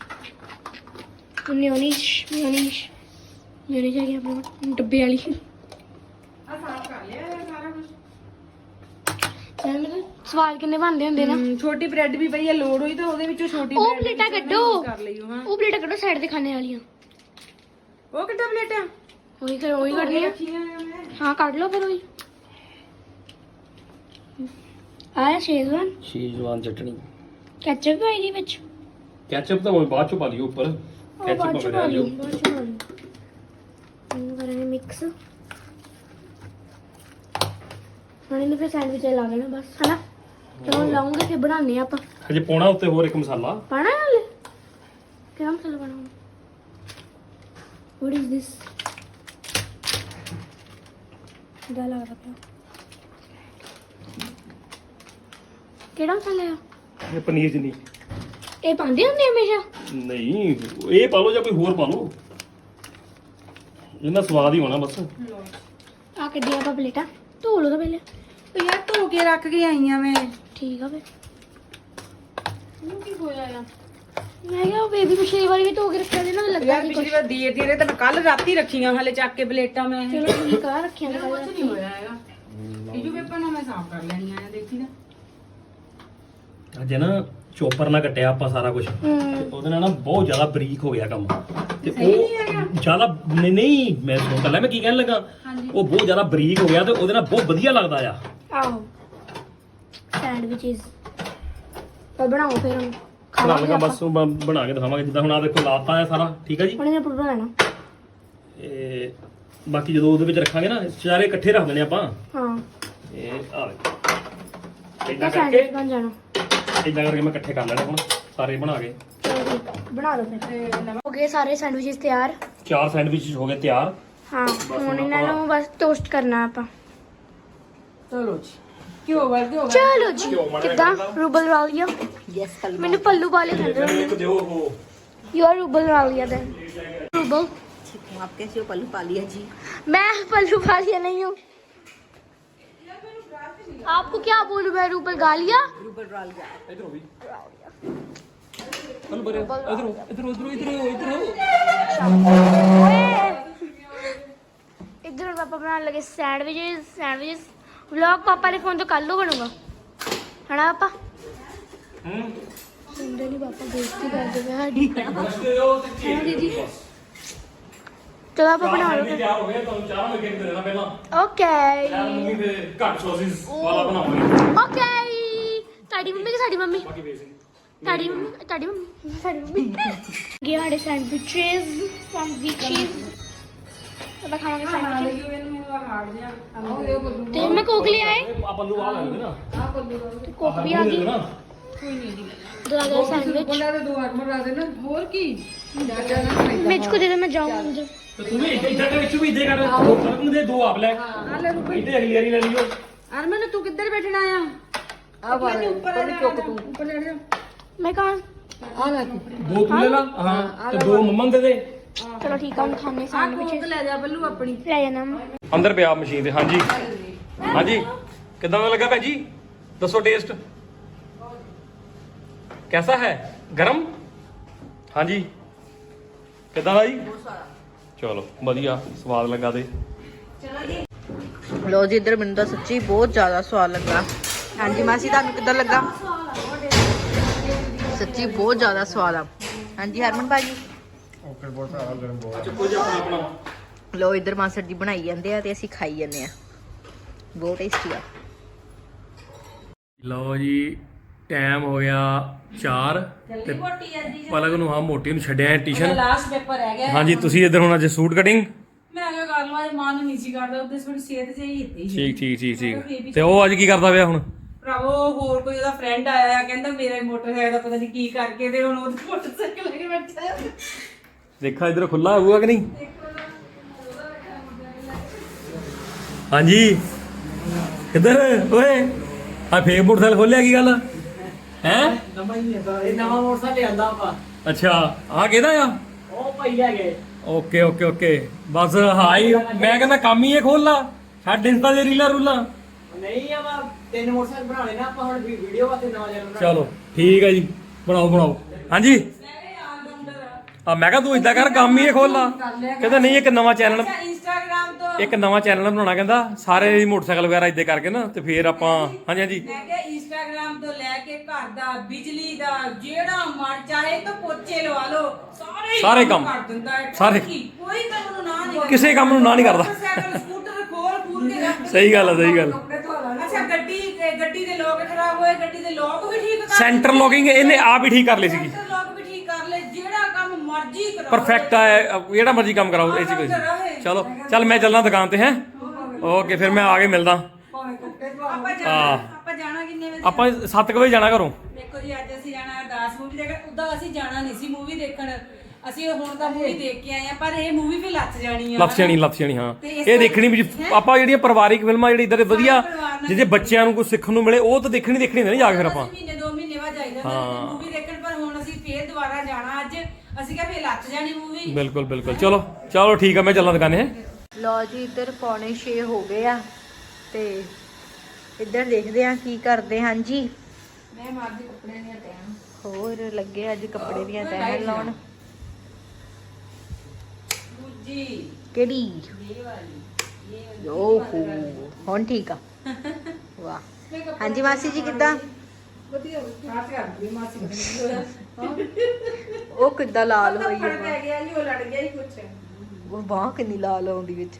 Speaker 4: मेयोनीज मेयोनीज मेयोनीज आ गया अपने डब्बे वाली
Speaker 2: ਆ ਸਾਫ ਕਰ ਲਿਆ ਸਾਰਾ ਕੁਝ
Speaker 4: यार मतलब स्वाद किन्ने बनदे होंदे ना
Speaker 2: ਛੋਟੀ ਬ੍ਰੈਡ ਵੀ ਪਈ ਆ ਲੋੜ ਹੋਈ ਤਾਂ ਉਹਦੇ ਵਿੱਚੋਂ ਛੋਟੀ
Speaker 4: ਉਹ
Speaker 2: bread
Speaker 4: ਪਲੇਟਾਂ
Speaker 2: ਵਿੱਚੋਂ
Speaker 4: ਕੱਢੋ।
Speaker 2: ਕਰ ਲਈਓ ਹਾਂ
Speaker 4: ਉਹ ਪਲੇਟਾਂ ਕੱਢੋ ਸਾਈਡ ਤੇ ਖਾਣੇ ਵਾਲੀਆਂ
Speaker 2: ਉਹ ਕਿੱਦਾਂ ਪਲੇਟਾਂ
Speaker 4: ਉਹੀ ਕਰ ਉਹੀ ਕੱਢਣੀ ਆ
Speaker 2: ਰੱਖੀਆਂ ਆ ਮੈਂ
Speaker 4: ਹਾਂ ਕੱਢ ਲਓ ਫਿਰ ਉਹੀ ਆਇਆ ਸ਼ੇਜ਼ਵਾਨ
Speaker 1: ਸ਼ੀਜ਼ਵਾਨ ਚਟਣੀ
Speaker 4: ਕੈਚਅਪ ਵੀ ਇਹਦੇ ਵਿੱਚ
Speaker 1: ਕੈਚਅਪ ਤਾਂ ਉਹ ਬਾਅਦ ਚ ਪਾ ਲਿਓ ਉੱਪਰ
Speaker 4: ਉਹ
Speaker 1: ਕੈਚਅਪ
Speaker 4: ਬਾਅਦ ਚ
Speaker 1: ਵਗੈਰਾ
Speaker 4: ਪਾ
Speaker 1: ਲਿਓ
Speaker 4: ਲਿਓ ਬਾਅਦ ਚ ਪਾ ਲਿਓ ਇਹਨੂੰ ਕਰਾਂਗੇ ਮਿਕਸ ਹੁਣ ਇਹਨੂੰ ਫਿਰ ਸੈਂਡਵਿਚ ਲਾ ਲੈਣਾ ਬਸ ਹਨਾ ਚਲੋ ਲਾਉਂਗੇ ਫਿਰ ਬਣਾਉਂਦੇ ਆ ਆਪਾਂ
Speaker 1: ਹਜੇ ਪਾਉਣਾ ਉੱਤੇ ਹੋਰ ਇੱਕ ਮਸਾਲਾ
Speaker 4: ਪਾਣਾ ਨਾਲੇ ਕਿਹੜਾ ਮਸਾਲਾ ਪਾਣਾ what is this ਦਾ ਲੱਗ ਰਿਹਾ ਕਿਹੜਾ ਮਸਾਲਾ ਆ
Speaker 1: ਇਹ ਪਨੀਰ ਚ ਨਹੀਂ
Speaker 4: ਇਹ ਪਾਉਂਦੇ ਹੁੰਦੇ ਆ ਹਮੇਸ਼ਾ
Speaker 1: ਨਹੀਂ ਇਹ ਪਾ ਲਓ ਜਾਂ ਕੋਈ ਹੋਰ ਪਾ ਲਓ ਇਹਨਾਂ ਸਵਾਦ ਹੀ ਹੋਣਾ ਬਸ
Speaker 4: ਆ ਕੱਢੀਆਂ ਆਪਾਂ ਪਲੇਟਾਂ ਧੋ ਲਓ ਤਾਂ ਪਹਿਲੇ
Speaker 2: ਤੇ ਯਾਰ ਧੋ ਕੇ ਰੱਖ ਕੇ ਆਈ ਆ ਮੈਂ
Speaker 4: ਠੀਕ ਆ ਫਿਰ
Speaker 2: ਇਹਨੂੰ ਕੀ ਹੋਇਆ ਆ
Speaker 4: ਮੈਂ ਕਿਹਾ ਬੇਬੀ ਪਿਛਲੀ ਵਾਰੀ ਵੀ ਧੋ ਕੇ ਰੱਖਿਆ ਸੀ ਨਾ ਲੱਗਾ
Speaker 2: ਯਾਰ
Speaker 4: ਸੀ
Speaker 2: ਪਿਛਲੀ ਵਾਰ ਦੀਏ ਦੀਏ ਤਾਂ ਕੱਲ ਰਾਤੀ ਰੱਖੀਆਂ ਹਲੇ ਚੱਕ ਕੇ ਪਲੇਟਾਂ ਮੈਂ
Speaker 4: ਚਲੋ ਠੀਕ ਆ ਰੱਖਿਆ
Speaker 2: ਕੁਝ
Speaker 4: ਨਿਕਲ
Speaker 2: ਨਹੀਂ ਹੋਇਆ ਹੈਗਾ ਟਿਸ਼ੂ ਪੇਪਰ ਨਾਲ ਮੈਂ ਸਾਫ਼ ਕਰ ਲੈਣੀਆਂ ਆ ਦੇਖੀ ਨਾ
Speaker 1: ਅਜੇ ਨਾ ਚੋਪਰ ਨਾਲ ਕੱਟਿਆ ਆਪਾਂ ਸਾਰਾ ਕੁਝ
Speaker 4: ਹੂੰ
Speaker 1: ਉਹਦੇ ਨਾਲ ਨਾ ਬਹੁਤ ਜ਼ਿਆਦਾ ਬਰੀਕ ਹੋ ਗਿਆ ਕੰਮ ਤੇ ਉਹ ਜ਼ਿਆਦਾ ਨਹੀਂ ਨਹੀਂ ਮੈਂ ਸੁਣ ਕੱਲਾ ਮੈਂ ਕੀ ਕਹਿਣ ਲੱਗਾ ਉਹ ਬਹੁਤ ਜ਼ਿਆਦਾ ਬਰੀਕ ਹੋ ਗਿਆ ਤੇ ਉਹਦੇ ਨਾਲ ਬਹੁਤ ਵਧੀਆ ਲੱਗਦਾ ਆ
Speaker 4: ਆਹੋ ਸੈਂਡਵਿਚਸ ਪਰ ਬਣਾਓ ਫਿਰ ਹੁਣ
Speaker 1: ਬਣਾ
Speaker 4: ਖਾਵਾਂਗੇ
Speaker 1: ਲਗਾ
Speaker 4: ਆਪਾਂ
Speaker 1: ਬਸ ਉਹ ਬ- ਬਣਾ ਕੇ ਦਿਖਾਵਾਂਗੇ ਜਿੱਦਾਂ ਹੁਣ ਆ ਦੇਖੋ ਲਾਤਾ ਆ ਸਾਰਾ ਠੀਕ ਆ ਜੀ
Speaker 4: ਹੁਣ ਇਹਨੇ ਪੁੱਟ ਲੈਣਾ
Speaker 1: ਇਹ ਬਾਕੀ ਜਦੋਂ ਉਹਦੇ ਵਿੱਚ ਰੱਖਾਂਗੇ ਨਾ ਚਾਰੇ ਇਕੱਠੇ ਰੱਖ ਦੇਣੇ ਆਪਾਂ
Speaker 4: ਹਾਂ
Speaker 1: ਇਹ ਆ ਵੇਖੋ
Speaker 4: ਤਾਂ
Speaker 1: ਇਦਾਂ ਕਰਕੇ
Speaker 4: ਸੈਂਡਵਿਚ ਬਣ ਜਾਣਾ
Speaker 1: ਇਦਾਂ ਕਰਕੇ ਮੈਂ ਇਕੱਠੇ ਕਰ ਲੈਣੇ ਹੁਣ ਸਾਰੇ ਬਣਾ ਕੇ
Speaker 4: ਚਲੋ ਠੀਕ ਆ, ਬਣਾ ਦੋ ਫਿਰ ਹੋ ਗਏ ਸਾਰੇ ਸੈਂਡਵਿਚਸ ਤਿਆਰ
Speaker 1: ਚਾਰ ਸੈਂਡਵਿਚ ਹੋ ਗਏ ਤਿਆਰ
Speaker 4: ਹਾਂ ਹੁਣ ਇਹਨਾਂ ਨੂੰ ਬਸ ਟੋਸਟ ਕਰਨਾ ਆਪਾਂ
Speaker 2: ਚਲੋ ਜੀ ਕਿਉਂ ਵਰ ਕਿਉਂ
Speaker 4: ਚਲੋ ਜੀ ਕਿੱਦਾਂ ਰੂਬਲ ਵਾਲੀਆ
Speaker 2: ਯੈਸ ਕੱਲ
Speaker 4: ਮੈਨੂੰ ਪੱਲੂ ਵਾਲੇ ਕਹਿੰਦੇ ਹੁੰਦੇ
Speaker 1: ਇੱਕ ਦਿਓ ਉਹ
Speaker 4: you are Rubal Walia then Rubal
Speaker 2: आप कैसे हो पल्लू पालिया जी
Speaker 4: मैं पल्लू वालिया नहीं हूँ आपको क्या बोलूं मैं रूबल गालिया
Speaker 2: रूबल राल गया
Speaker 1: ਇਧਰੋਂ ਵੀ ਹਲ ਬਰੇ ਇਧਰੋਂ ਇਧਰੋਂ ਇਧਰੋਂ ਇਧਰੋਂ ਇਧਰੋਂ
Speaker 4: इधर पापा बनाने लगे सैंडविचेस सैंडविचेस
Speaker 5: ਵਲੌਗ ਪਾਪਾ ਦੇ ਫੋਨ ਤੋਂ ਕੱਲ ਨੂੰ ਬਣੂਗਾ ਹਨਾ ਪਾਪਾ
Speaker 1: ਹੂੰ
Speaker 5: ਸੁਣਦੇ ਨਹੀਂ ਪਾਪਾ ਬੇਇੱਜ਼ਤੀ ਕਰਦੇ ਪਏ ਸਾਡੀ
Speaker 1: ਦੱਸਦੇ ਹੋ ਤੇ
Speaker 5: ਹਾਂ ਦੀਦੀ ਚਲੋ ਆਪਾਂ ਬਣਾ ਲਓ
Speaker 1: ਤਿਆਰ ਹੋ ਗਿਆ ਤੁਹਾਨੂੰ ਚਾਹ ਮੈਂ ਕਿਹਾ ਦੇਣਾ ਪਹਿਲਾਂ
Speaker 5: ਓਕੇ
Speaker 1: ਯਾਰ ਮੰਮੀ ਦੇ ਘੱਟ ਸੌਸਿਸ ਵਾਲਾ ਬਣਾਵਾਂਗੇ
Speaker 5: ਓਕੇ ਤੁਹਾਡੀ ਮੰਮੀ ਕਿ ਸਾਡੀ ਮੰਮੀ
Speaker 1: ਬਾਕੀ ਵੇਸ
Speaker 5: ਤੁਹਾਡੀ ਮੰਮੀ ਤੁਹਾਡੀ ਮੰਮੀ ਸਾਡੀ ਮੰਮੀ ਗਿਆ ਸਾਡੇ ਸੈਂਡਵਿਚਸ ਸੈਂਡਵਿਚਸ ਆਪਾਂ ਖਾਵਾਂਗੇ ਸੈਂਡਵਿਚ ਤੇ ਮੈਂ ਕੋਕ ਲੈ ਆਏ
Speaker 1: ਆ ਪੱਲੂ ਆ ਲੈਂਦੇ ਨਾ
Speaker 5: ਤੇ ਕੋਕ ਵੀ ਆ ਗਈ
Speaker 1: ਨਾ
Speaker 5: ਦੋ ਆ ਗਏ ਸੈਂਡਵਿਚ ਮਿਰਚ ਕੋ ਦੇ ਦੇ ਮੈਂ ਜਾऊं ਅੰਦਰ
Speaker 1: ਤੇ ਤੂੰ ਵੀ ਇੱਧਰ ਇੱਧਰ ਦੇ ਵਿੱਚ ਵੀ ਇੱਧੇ ਕਰ ਸਰਗੁਣ ਦੇ ਦੋ ਆਪ ਲੈ ਇੱਧੇ ਅਗਲੀ ਵਾਰੀ ਲੈ ਲਿਓ
Speaker 2: ਅਰਮਨ ਤੂੰ ਕਿੱਧਰ ਬੈਠਣਾ ਆ ਆ ਬਾਰੇ ਉੱਪਰ ਚੁੱਕ ਤੂੰ ਉੱਪਰ ਲੈ ਜਾ
Speaker 5: ਮੈਂ ਕਹਾਂ
Speaker 2: ਆ ਲੈ ਤੂੰ
Speaker 1: ਦੋ ਤੂੰ ਲੈ ਲਾ ਹਾਂ ਤੇ ਦੋ ਮੰਮਨ ਦੇ ਦੇ
Speaker 5: ਚਲੋ ਠੀਕ ਆ ਹੁਣ ਖਾਣੇ
Speaker 2: ਕੋਕ
Speaker 5: ਸੈਂਡਵਿਚ
Speaker 2: ਲੈ ਜਾ ਬੱਲੂ ਆਪਣੀ
Speaker 5: ਲੈ ਜਾਣਾ ਮੈਂ
Speaker 1: ਅੰਦਰ ਪਿਆ ਮਸ਼ੀਨ ਤੇ ਹਾਂਜੀ ਹਾਂਜੀ ਕਿਦਾਂ ਦਾ ਲੱਗਾ ਭੈਣ ਜੀ ਦੱਸੋ ਟੇਸਟ कैसा है गरम ਹਾਂਜੀ ਕਿਦਾਂ ਦਾ ਜੀ ਚਲੋ ਵਧੀਆ ਸਵਾਦ ਲੱਗਾ ਤੇ
Speaker 2: ਲੋ ਜੀ ਇੱਧਰ ਮੈਨੂੰ ਤਾਂ ਸੱਚੀ ਬਹੁਤ ਜ਼ਿਆਦਾ ਸਵਾਦ ਲੱਗਾ ਹਾਂਜੀ ਮਾਸੀ ਤੁਹਾਨੂੰ ਕਿੱਦਾਂ ਲੱਗਾ ਸੱਚੀ ਬਹੁਤ ਜ਼ਿਆਦਾ ਸਵਾਦ ਆ ਹਾਂਜੀ ਹਰਮਨ ਭਾਜੀ
Speaker 1: ਓਕੇ ਬਹੁਤ ਸਾਰਾ ਗਰਮ ਬਹੁਤ ਚੁੱਕੋ ਜੀ ਆਪਣਾ ਆਪਣਾ
Speaker 2: ਲੋ ਇੱਧਰ ਮਾਸਟਰ ਜੀ ਬਣਾਈ ਜਾਂਦੇ ਆ ਤੇ ਅਸੀਂ ਖਾਈ ਜਾਂਦੇ ਆ ਬਹੁਤ ਟੇਸਟੀ ਆ
Speaker 1: ਲਓ ਜੀ ਟਾਈਮ ਹੋ ਗਿਆ ਚਾਰ ਤੇ ਪਲਕ ਨੂੰ ਹਾਂ ਮੋਟੀ ਨੂੰ ਛੱਡਿਆ ਹੈ ਟਿਊਸ਼ਨ
Speaker 2: ਲਾਸਟ ਪੇਪਰ ਰਹਿ ਗਿਆ
Speaker 1: ਹਾਂਜੀ ਤੁਸੀਂ ਇੱਧਰ ਹੁਣ ਅੱਜ ਸੂਟ ਕਟਿੰਗ
Speaker 2: ਮੈਂ ਕਿਹਾ ਕਰ ਲਵਾਂ ਮਨ ਨਹੀਂ ਸੀ ਕਰਦਾ ਉਹਦੇ ਥੋੜੀ ਸਿਹਤ ਜਿਹੀ hitਤੀ
Speaker 1: ਠੀਕ ਠੀਕ ਠੀਕ ਠੀਕ ਤੇ ਉਹ ਅੱਜ ਕੀ ਕਰਦਾ ਪਿਆ ਹੁਣ
Speaker 2: ਭਰਾਵੋ ਹੋਰ ਕੋਈ ਉਹਦਾ ਫਰੈਂਡ ਆਇਆ ਕਹਿੰਦਾ ਮੇਰਾ ਮੋਟਰਸਾਈਕਲ ਦਾ ਪਤਾ ਨਹੀਂ ਕੀ ਕਰਕੇ ਤੇ ਹੁਣ ਉਹਦੇ ਮੋਟਰਸਾਈਕਲ ਲੈ ਕੇ ਬੈਠਾ ਹੈ
Speaker 1: ਦੇਖਾ ਇੱਧਰ ਖੁੱਲਾ ਹੋਊਗਾ ਕਿ ਨਹੀਂ ਹਾਂਜੀ ਕਿੱਧਰ ਓਏ ਆ ਫੇਕ ਮੋਟਰਸਾਈਕਲ ਖੋਲਿਆ ਕੀ ਗੱਲ ਹੈ
Speaker 3: ਨਵਾਂ ਹੀ ਲਿਆਂਦਾ ਇਹ ਨਵਾਂ ਮੋਟਰਸਾਈਕਲ ਲਿਆਂਦਾ ਆਪਾਂ
Speaker 1: ਅੱਛਾ ਆ ਕਿਹਦਾ ਆ
Speaker 3: ਉਹ ਪਈ ਲੈ ਗਏ
Speaker 1: ਓਕੇ ਓਕੇ ਓਕੇ ਬਸ ਹਾਈ ਮੈਂ ਕਹਿੰਦਾ ਕੰਮ ਹੀ ਇਹ ਖੋਲ ਲਾ ਛੱਡ ਇੰਸਟਾ ਦੇ ਰੀਲਾਂ ਰੂਲਾਂ
Speaker 3: ਨਹੀਂ ਆਪਾਂ ਤਿੰਨ ਮੋਟਰਸਾਈਕਲ ਬਣਾਉਣੇ ਨਾ ਆਪਾਂ ਹੁਣ ਵੀਡੀਓ ਵਾਸਤੇ ਨਵਾਂ ਚੈਨਲ ਬਣਾ
Speaker 1: ਚਲੋ ਠੀਕ ਹੈ ਜੀ ਬਣਾਓ ਬਣਾਓ ਹਾਂਜੀ ਆ ਮੈਂ ਕਿਹਾ ਤੂੰ ਇਦਾਂ ਕਰ ਕੰਮ ਹੀ ਇਹ ਖੋਲ ਲਾ ਕਹਿੰਦਾ ਨਹੀਂ ਇੱਕ ਨਵਾਂ ਚੈਨਲ
Speaker 2: ਇੰਸਟਾਗ੍ਰਾਮ ਤੋਂ
Speaker 1: ਇੱਕ ਨਵਾਂ ਚੈਨਲ ਬਣਾਉਣਾ ਕਹਿੰਦਾ ਸਾਰੇ ਮੋਟਰਸਾਈਕਲ ਵਗੈਰਾ ਇਦਾਂ ਕਰਕੇ ਨਾ ਤੇ ਫੇਰ ਆਪਾਂ ਹਾਂਜੀ ਹਾਂਜੀ
Speaker 2: ਮੈਂ ਕਿਹਾ ਇੰਸਟਾਗ੍ਰਾਮ ਤੋਂ ਲੈ ਕੇ ਘਰ ਦਾ ਬਿਜਲੀ ਦਾ ਜਿਹੜਾ ਮਰ ਚਾਹੇ ਤਾਂ ਪੋਚੇ ਲਵਾ ਲਓ ਸਾਰੇ
Speaker 1: ਸਾਰੇ ਕੰਮ
Speaker 2: ਕਰ ਦਿੰਦਾ ਹੈ
Speaker 1: ਸਾਰੇ
Speaker 2: ਕੋਈ ਕੰਮ ਨੂੰ ਨਾ ਨਹੀਂ
Speaker 1: ਕਿਸੇ ਕੰਮ ਨੂੰ ਨਾ ਨਹੀਂ ਕਰਦਾ
Speaker 2: ਮੋਟਰਸਾਈਕਲ ਸਕੂਟਰ ਖੋਲ ਖੂਲ ਕੇ ਰੱਖ
Speaker 1: ਸਹੀ ਗੱਲ ਹੈ ਸਹੀ ਗੱਲ
Speaker 2: ਅੱਛਾ ਗੱਡੀ ਗੱਡੀ ਦੇ ਲੋਕ ਖਰਾਬ ਹੋਏ ਗੱਡੀ ਦੇ ਲੋਕ ਵੀ ਠੀਕ ਕਰ
Speaker 1: ਸੈਂਟਰ ਲੌਕਿੰਗ ਇਹਨੇ ਆਪ ਹੀ ਠੀਕ ਕਰ ਲਈ ਸੀਗੀ
Speaker 2: ਸੈਂਟਰ ਲੋਕ ਵੀ ਠੀਕ ਕਰ ਲੈ ਜਿਹੜਾ ਕੰਮ ਮਰਜ਼ੀ ਕਰਾਓ
Speaker 1: ਪਰਫੈਕਟ ਹੈ ਜਿਹੜਾ ਮਰਜ਼ੀ ਕੰਮ ਕਰਾਓ ਇਹ ਚ ਕੋਈ ਚਲੋ ਚੱਲ ਮੈਂ ਚੱਲਣਾ ਦੁਕਾਨ ਤੇ ਹੈ ਓਕੇ ਫਿਰ ਮੈਂ ਆ ਕੇ ਮਿਲਦਾ
Speaker 2: ਆਪਾਂ ਜਾਣਾ ਆਪਾਂ ਜਾਣਾ ਕਿੰਨੇ ਵਜੇ
Speaker 1: ਆਪਾਂ ਸੱਤ ਵਜੇ ਜਾਣਾ ਘਰੋਂ
Speaker 2: ਦੇਖੋ ਜੀ ਅੱਜ ਅਸੀਂ ਜਾਣਾ ਅਰਦਾਸ ਮੂਵੀ ਦੇਖਣ ਉਦਾਂ ਅਸੀਂ ਜਾਣਾ ਨਹੀਂ ਸੀ ਮੂਵੀ ਦੇਖਣ ਅਸੀਂ ਹੁਣ ਤਾਂ ਮੂਵੀ ਦੇਖ ਕੇ ਆਏ ਆ ਪਰ ਇਹ ਮੂਵੀ ਵੀ ਲੱਥ ਜਾਣੀ ਆ
Speaker 1: ਲੱਥ ਜਾਣੀ ਲੱਥ ਜਾਣੀ ਹਾਂ ਇਹ ਦੇਖਣੀ ਵੀ ਆਪਾਂ ਜਿਹੜੀਆਂ ਪਰਿਵਾਰਿਕ ਫਿਲਮਾਂ ਜਿਹੜੀ ਇਧਰ ਵਧੀਆ ਜਿਹਦੇ ਬੱਚਿਆਂ ਨੂੰ ਕੁਝ ਸਿੱਖਣ ਨੂੰ ਮਿਲੇ ਉਹ ਤਾਂ ਦੇਖਣੀ ਦੇਖਣੀ ਨਹੀਂ ਜਾ ਕੇ ਫਿਰ ਆਪਾਂ
Speaker 2: ਮਹੀਨੇ ਦੋ ਮਹੀਨੇ ਬਾਅਦ ਜਾਈਦਾ ਮੂਵੀ ਦੇਖਣ ਪਰ ਹੁਣ ਅਸੀਂ ਫੇਰ ਦੁਬਾਰਾ ਜਾਣਾ ਅੱਜ ਅਸੀਂ ਕਿਹਾ ਫੇਰ ਲੱਥ ਜਾਣੀ ਮੂਵੀ
Speaker 1: ਬਿਲਕੁਲ ਬਿਲਕੁਲ ਚਲੋ ਚਲੋ ਠੀਕ ਆ ਮੈਂ ਚੱਲਾਂ ਦੁਕਾਨੇ ਹੈ
Speaker 2: ਲੋ ਜੀ ਇੱਧਰ ਪੌਣੇ ਛੇ ਹੋ ਗਏ ਆ ਤੇ ਇੱਧਰ ਦੇਖਦੇ ਆ ਕੀ ਕਰਦੇ ਹਾਂ ਜੀ ਮੈਂ ਮਾਰਦੀ ਕੱਪੜੇ ਦੀਆਂ ਤੈਆਂ ਹੋਰ ਲੱਗੇ ਅੱਜ ਕੱਪੜੇ ਦੀਆਂ ਤੈਆਂ ਲਾਉਣ ਦੂਜੀ ਕਿਹੜੀ ਇਹ ਵਾਲੀ ਓਹੋ ਹੁਣ ਠੀਕ ਆ ਵਾਹ ਹਾਂਜੀ ਮਾਸੀ ਜੀ ਕਿੱਦਾਂ ਵਧੀਆ ਬਾਤ ਕਰਦੀ ਮਾਸੀ ਉਹ ਕਿੱਦਾਂ ਲਾਲ ਹੋਈ ਹੈ ਪੈ ਗਿਆ ਜੀ ਉਹ ਲੜ ਗਿਆ ਹੀ ਕੁਛ ਉਹ ਬਾਹ ਕਿੰਨੀ ਲਾਲ ਆਉਂਦੀ ਵਿੱਚ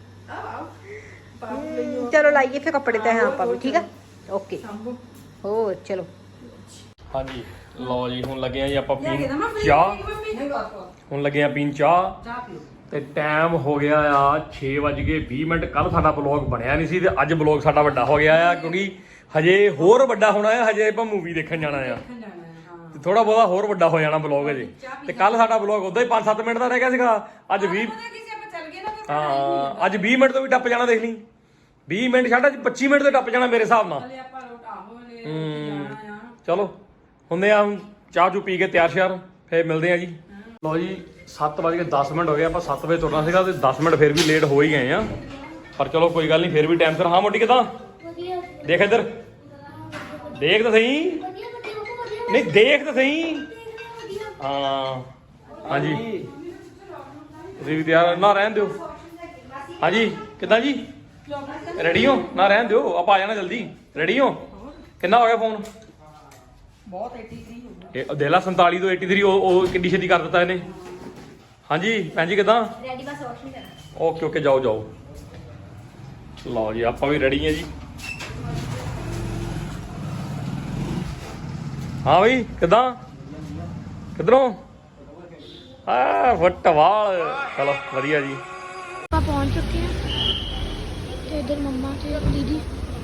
Speaker 2: ਚਲੋ ਲਾਈਏ ਫਿਰ ਕੱਪੜੇ ਤੇ ਆਪਾਂ ਵੀ ਠੀਕ ਆ ਓਕੇ ਹੋਰ ਚਲੋ
Speaker 1: ਹਾਂਜੀ ਲਓ ਜੀ ਹੁਣ ਲੱਗੇ ਆ ਜੀ ਆਪਾਂ ਪੀਣ ਚਾਹ ਹੁਣ ਲੱਗੇ ਆ ਪੀਣ ਚਾਹ ਤੇ ਟਾਈਮ ਹੋ ਗਿਆ ਆ ਛੇ ਵੱਜ ਕੇ ਵੀਹ ਮਿੰਟ ਕੱਲ ਸਾਡਾ ਬਲੌਗ ਬਣਿਆ ਨਹੀਂ ਸੀ ਤੇ ਅੱਜ ਬਲੌਗ ਸਾਡਾ ਵੱਡਾ ਹੋ ਗਿਆ ਆ ਕਿਉਂਕਿ ਹਜੇ ਹੋਰ ਵੱਡਾ ਹੋਣਾ ਆ ਹਜੇ ਆਪਾਂ ਮੂਵੀ ਦੇਖਣ ਜਾਣਾ ਆ ਤੇ ਥੋੜਾ ਬਹੁਤਾ ਹੋਰ ਵੱਡਾ ਹੋ ਜਾਣਾ ਬਲੌਗ ਹਜੇ ਤੇ ਕੱਲ ਸਾਡਾ ਬਲੌਗ ਉਦਾਂ ਹੀ ਪੰਜ ਸੱਤ ਮਿੰਟ ਦਾ ਰਹਿ ਗਿਆ ਸੀਗਾ ਅੱਜ ਵੀਹ ਹਾਂ ਅੱਜ ਵੀਹ ਮਿੰਟ ਤੋਂ ਵੀ ਟੱਪ ਜਾਣਾ ਦੇਖ ਲਈ ਵੀਹ ਮਿੰਟ ਛੱਡ ਅੱਜ ਪੱਚੀ ਮਿੰਟ ਤੋਂ ਟੱਪ ਜਾਣਾ ਮੇਰੇ ਹਿਸਾਬ ਨਾਲ ਹੂੰ ਚਲੋ ਹੁੰਦੇ ਆ ਹੁਣ ਚਾਹ ਚੂ ਪੀ ਕੇ ਤਿਆਰ ਸ਼ਿਆਰ ਫੇਰ ਮਿਲਦੇ ਆ ਜੀ ਲਓ ਜੀ ਸੱਤ ਵੱਜ ਕੇ ਦਸ ਮਿੰਟ ਹੋ ਗਏ ਆਪਾਂ ਸੱਤ ਵਜੇ ਤੁਰਨਾ ਸੀਗਾ ਤੇ ਦਸ ਮਿੰਟ ਫੇਰ ਵੀ ਲੇਟ ਹੋ ਹੀ ਗਏ ਆ ਪਰ ਚਲੋ ਕੋਈ ਗੱਲ ਨਹੀਂ ਫੇਰ ਵੀ ਟਾਈਮ ਸਿਰ ਹਾਂ ਮੋਟੀ ਕਿਦਾਂ ਦੇਖ ਇੱਧਰ ਦੇਖ ਤਾਂ ਸਹੀ ਨਹੀਂ ਦੇਖ ਤਾਂ ਸਹੀ ਹਾਂ ਹਾਂਜੀ ਤੁਸੀਂ ਵੀ ਤਿਆਰ ਨਾ ਰਹਿਣ ਦਿਓ ਹਾਂਜੀ ਕਿੱਦਾਂ ਜੀ ਰੈਡੀ ਹੋ ਨਾ ਰਹਿਣ ਦਿਓ ਆਪਾਂ ਆ ਜਾਣਾ ਜਲਦੀ ਰੈਡੀ ਹੋ ਕਿੰਨਾ ਹੋ ਗਿਆ ਫੋਨ
Speaker 2: ਬਹੁਤ तिरासी ਹੋ ਗਿਆ
Speaker 1: ਇਹ ਦੇਲਾ ਸੰਤਾਲੀ ਤੋਂ ਤਿਰਾਸੀ ਉਹ ਉਹ ਕਿੰਨੀ ਛੇਤੀ ਕਰ ਦਿੱਤਾ ਇਹਨੇ ਹਾਂਜੀ ਭੈਣ ਜੀ ਕਿਦਾਂ
Speaker 4: ਰੈਡੀ ਬਸ ਵਾਸ਼ ਨਹੀਂ ਕਰਨਾ
Speaker 1: ਓਕੇ ਓਕੇ ਜਾਓ ਜਾਓ ਲਓ ਜੀ ਆਪਾਂ ਵੀ ਰੈਡੀ ਹਾਂ ਜੀ ਹਾਂ ਬਈ ਕਿਦਾਂ ਕਿਧਰੋਂ ਆ ਫੁੱਟਵਾਲ ਚਲੋ ਵਧੀਆ ਜੀ
Speaker 5: ਆਪਾਂ ਪਹੁੰਚ ਚੁੱਕੇ ਹਾਂ ਤੇ ਇਧਰ ਮੰਮਾ ਤੇ ਦੀਦੀ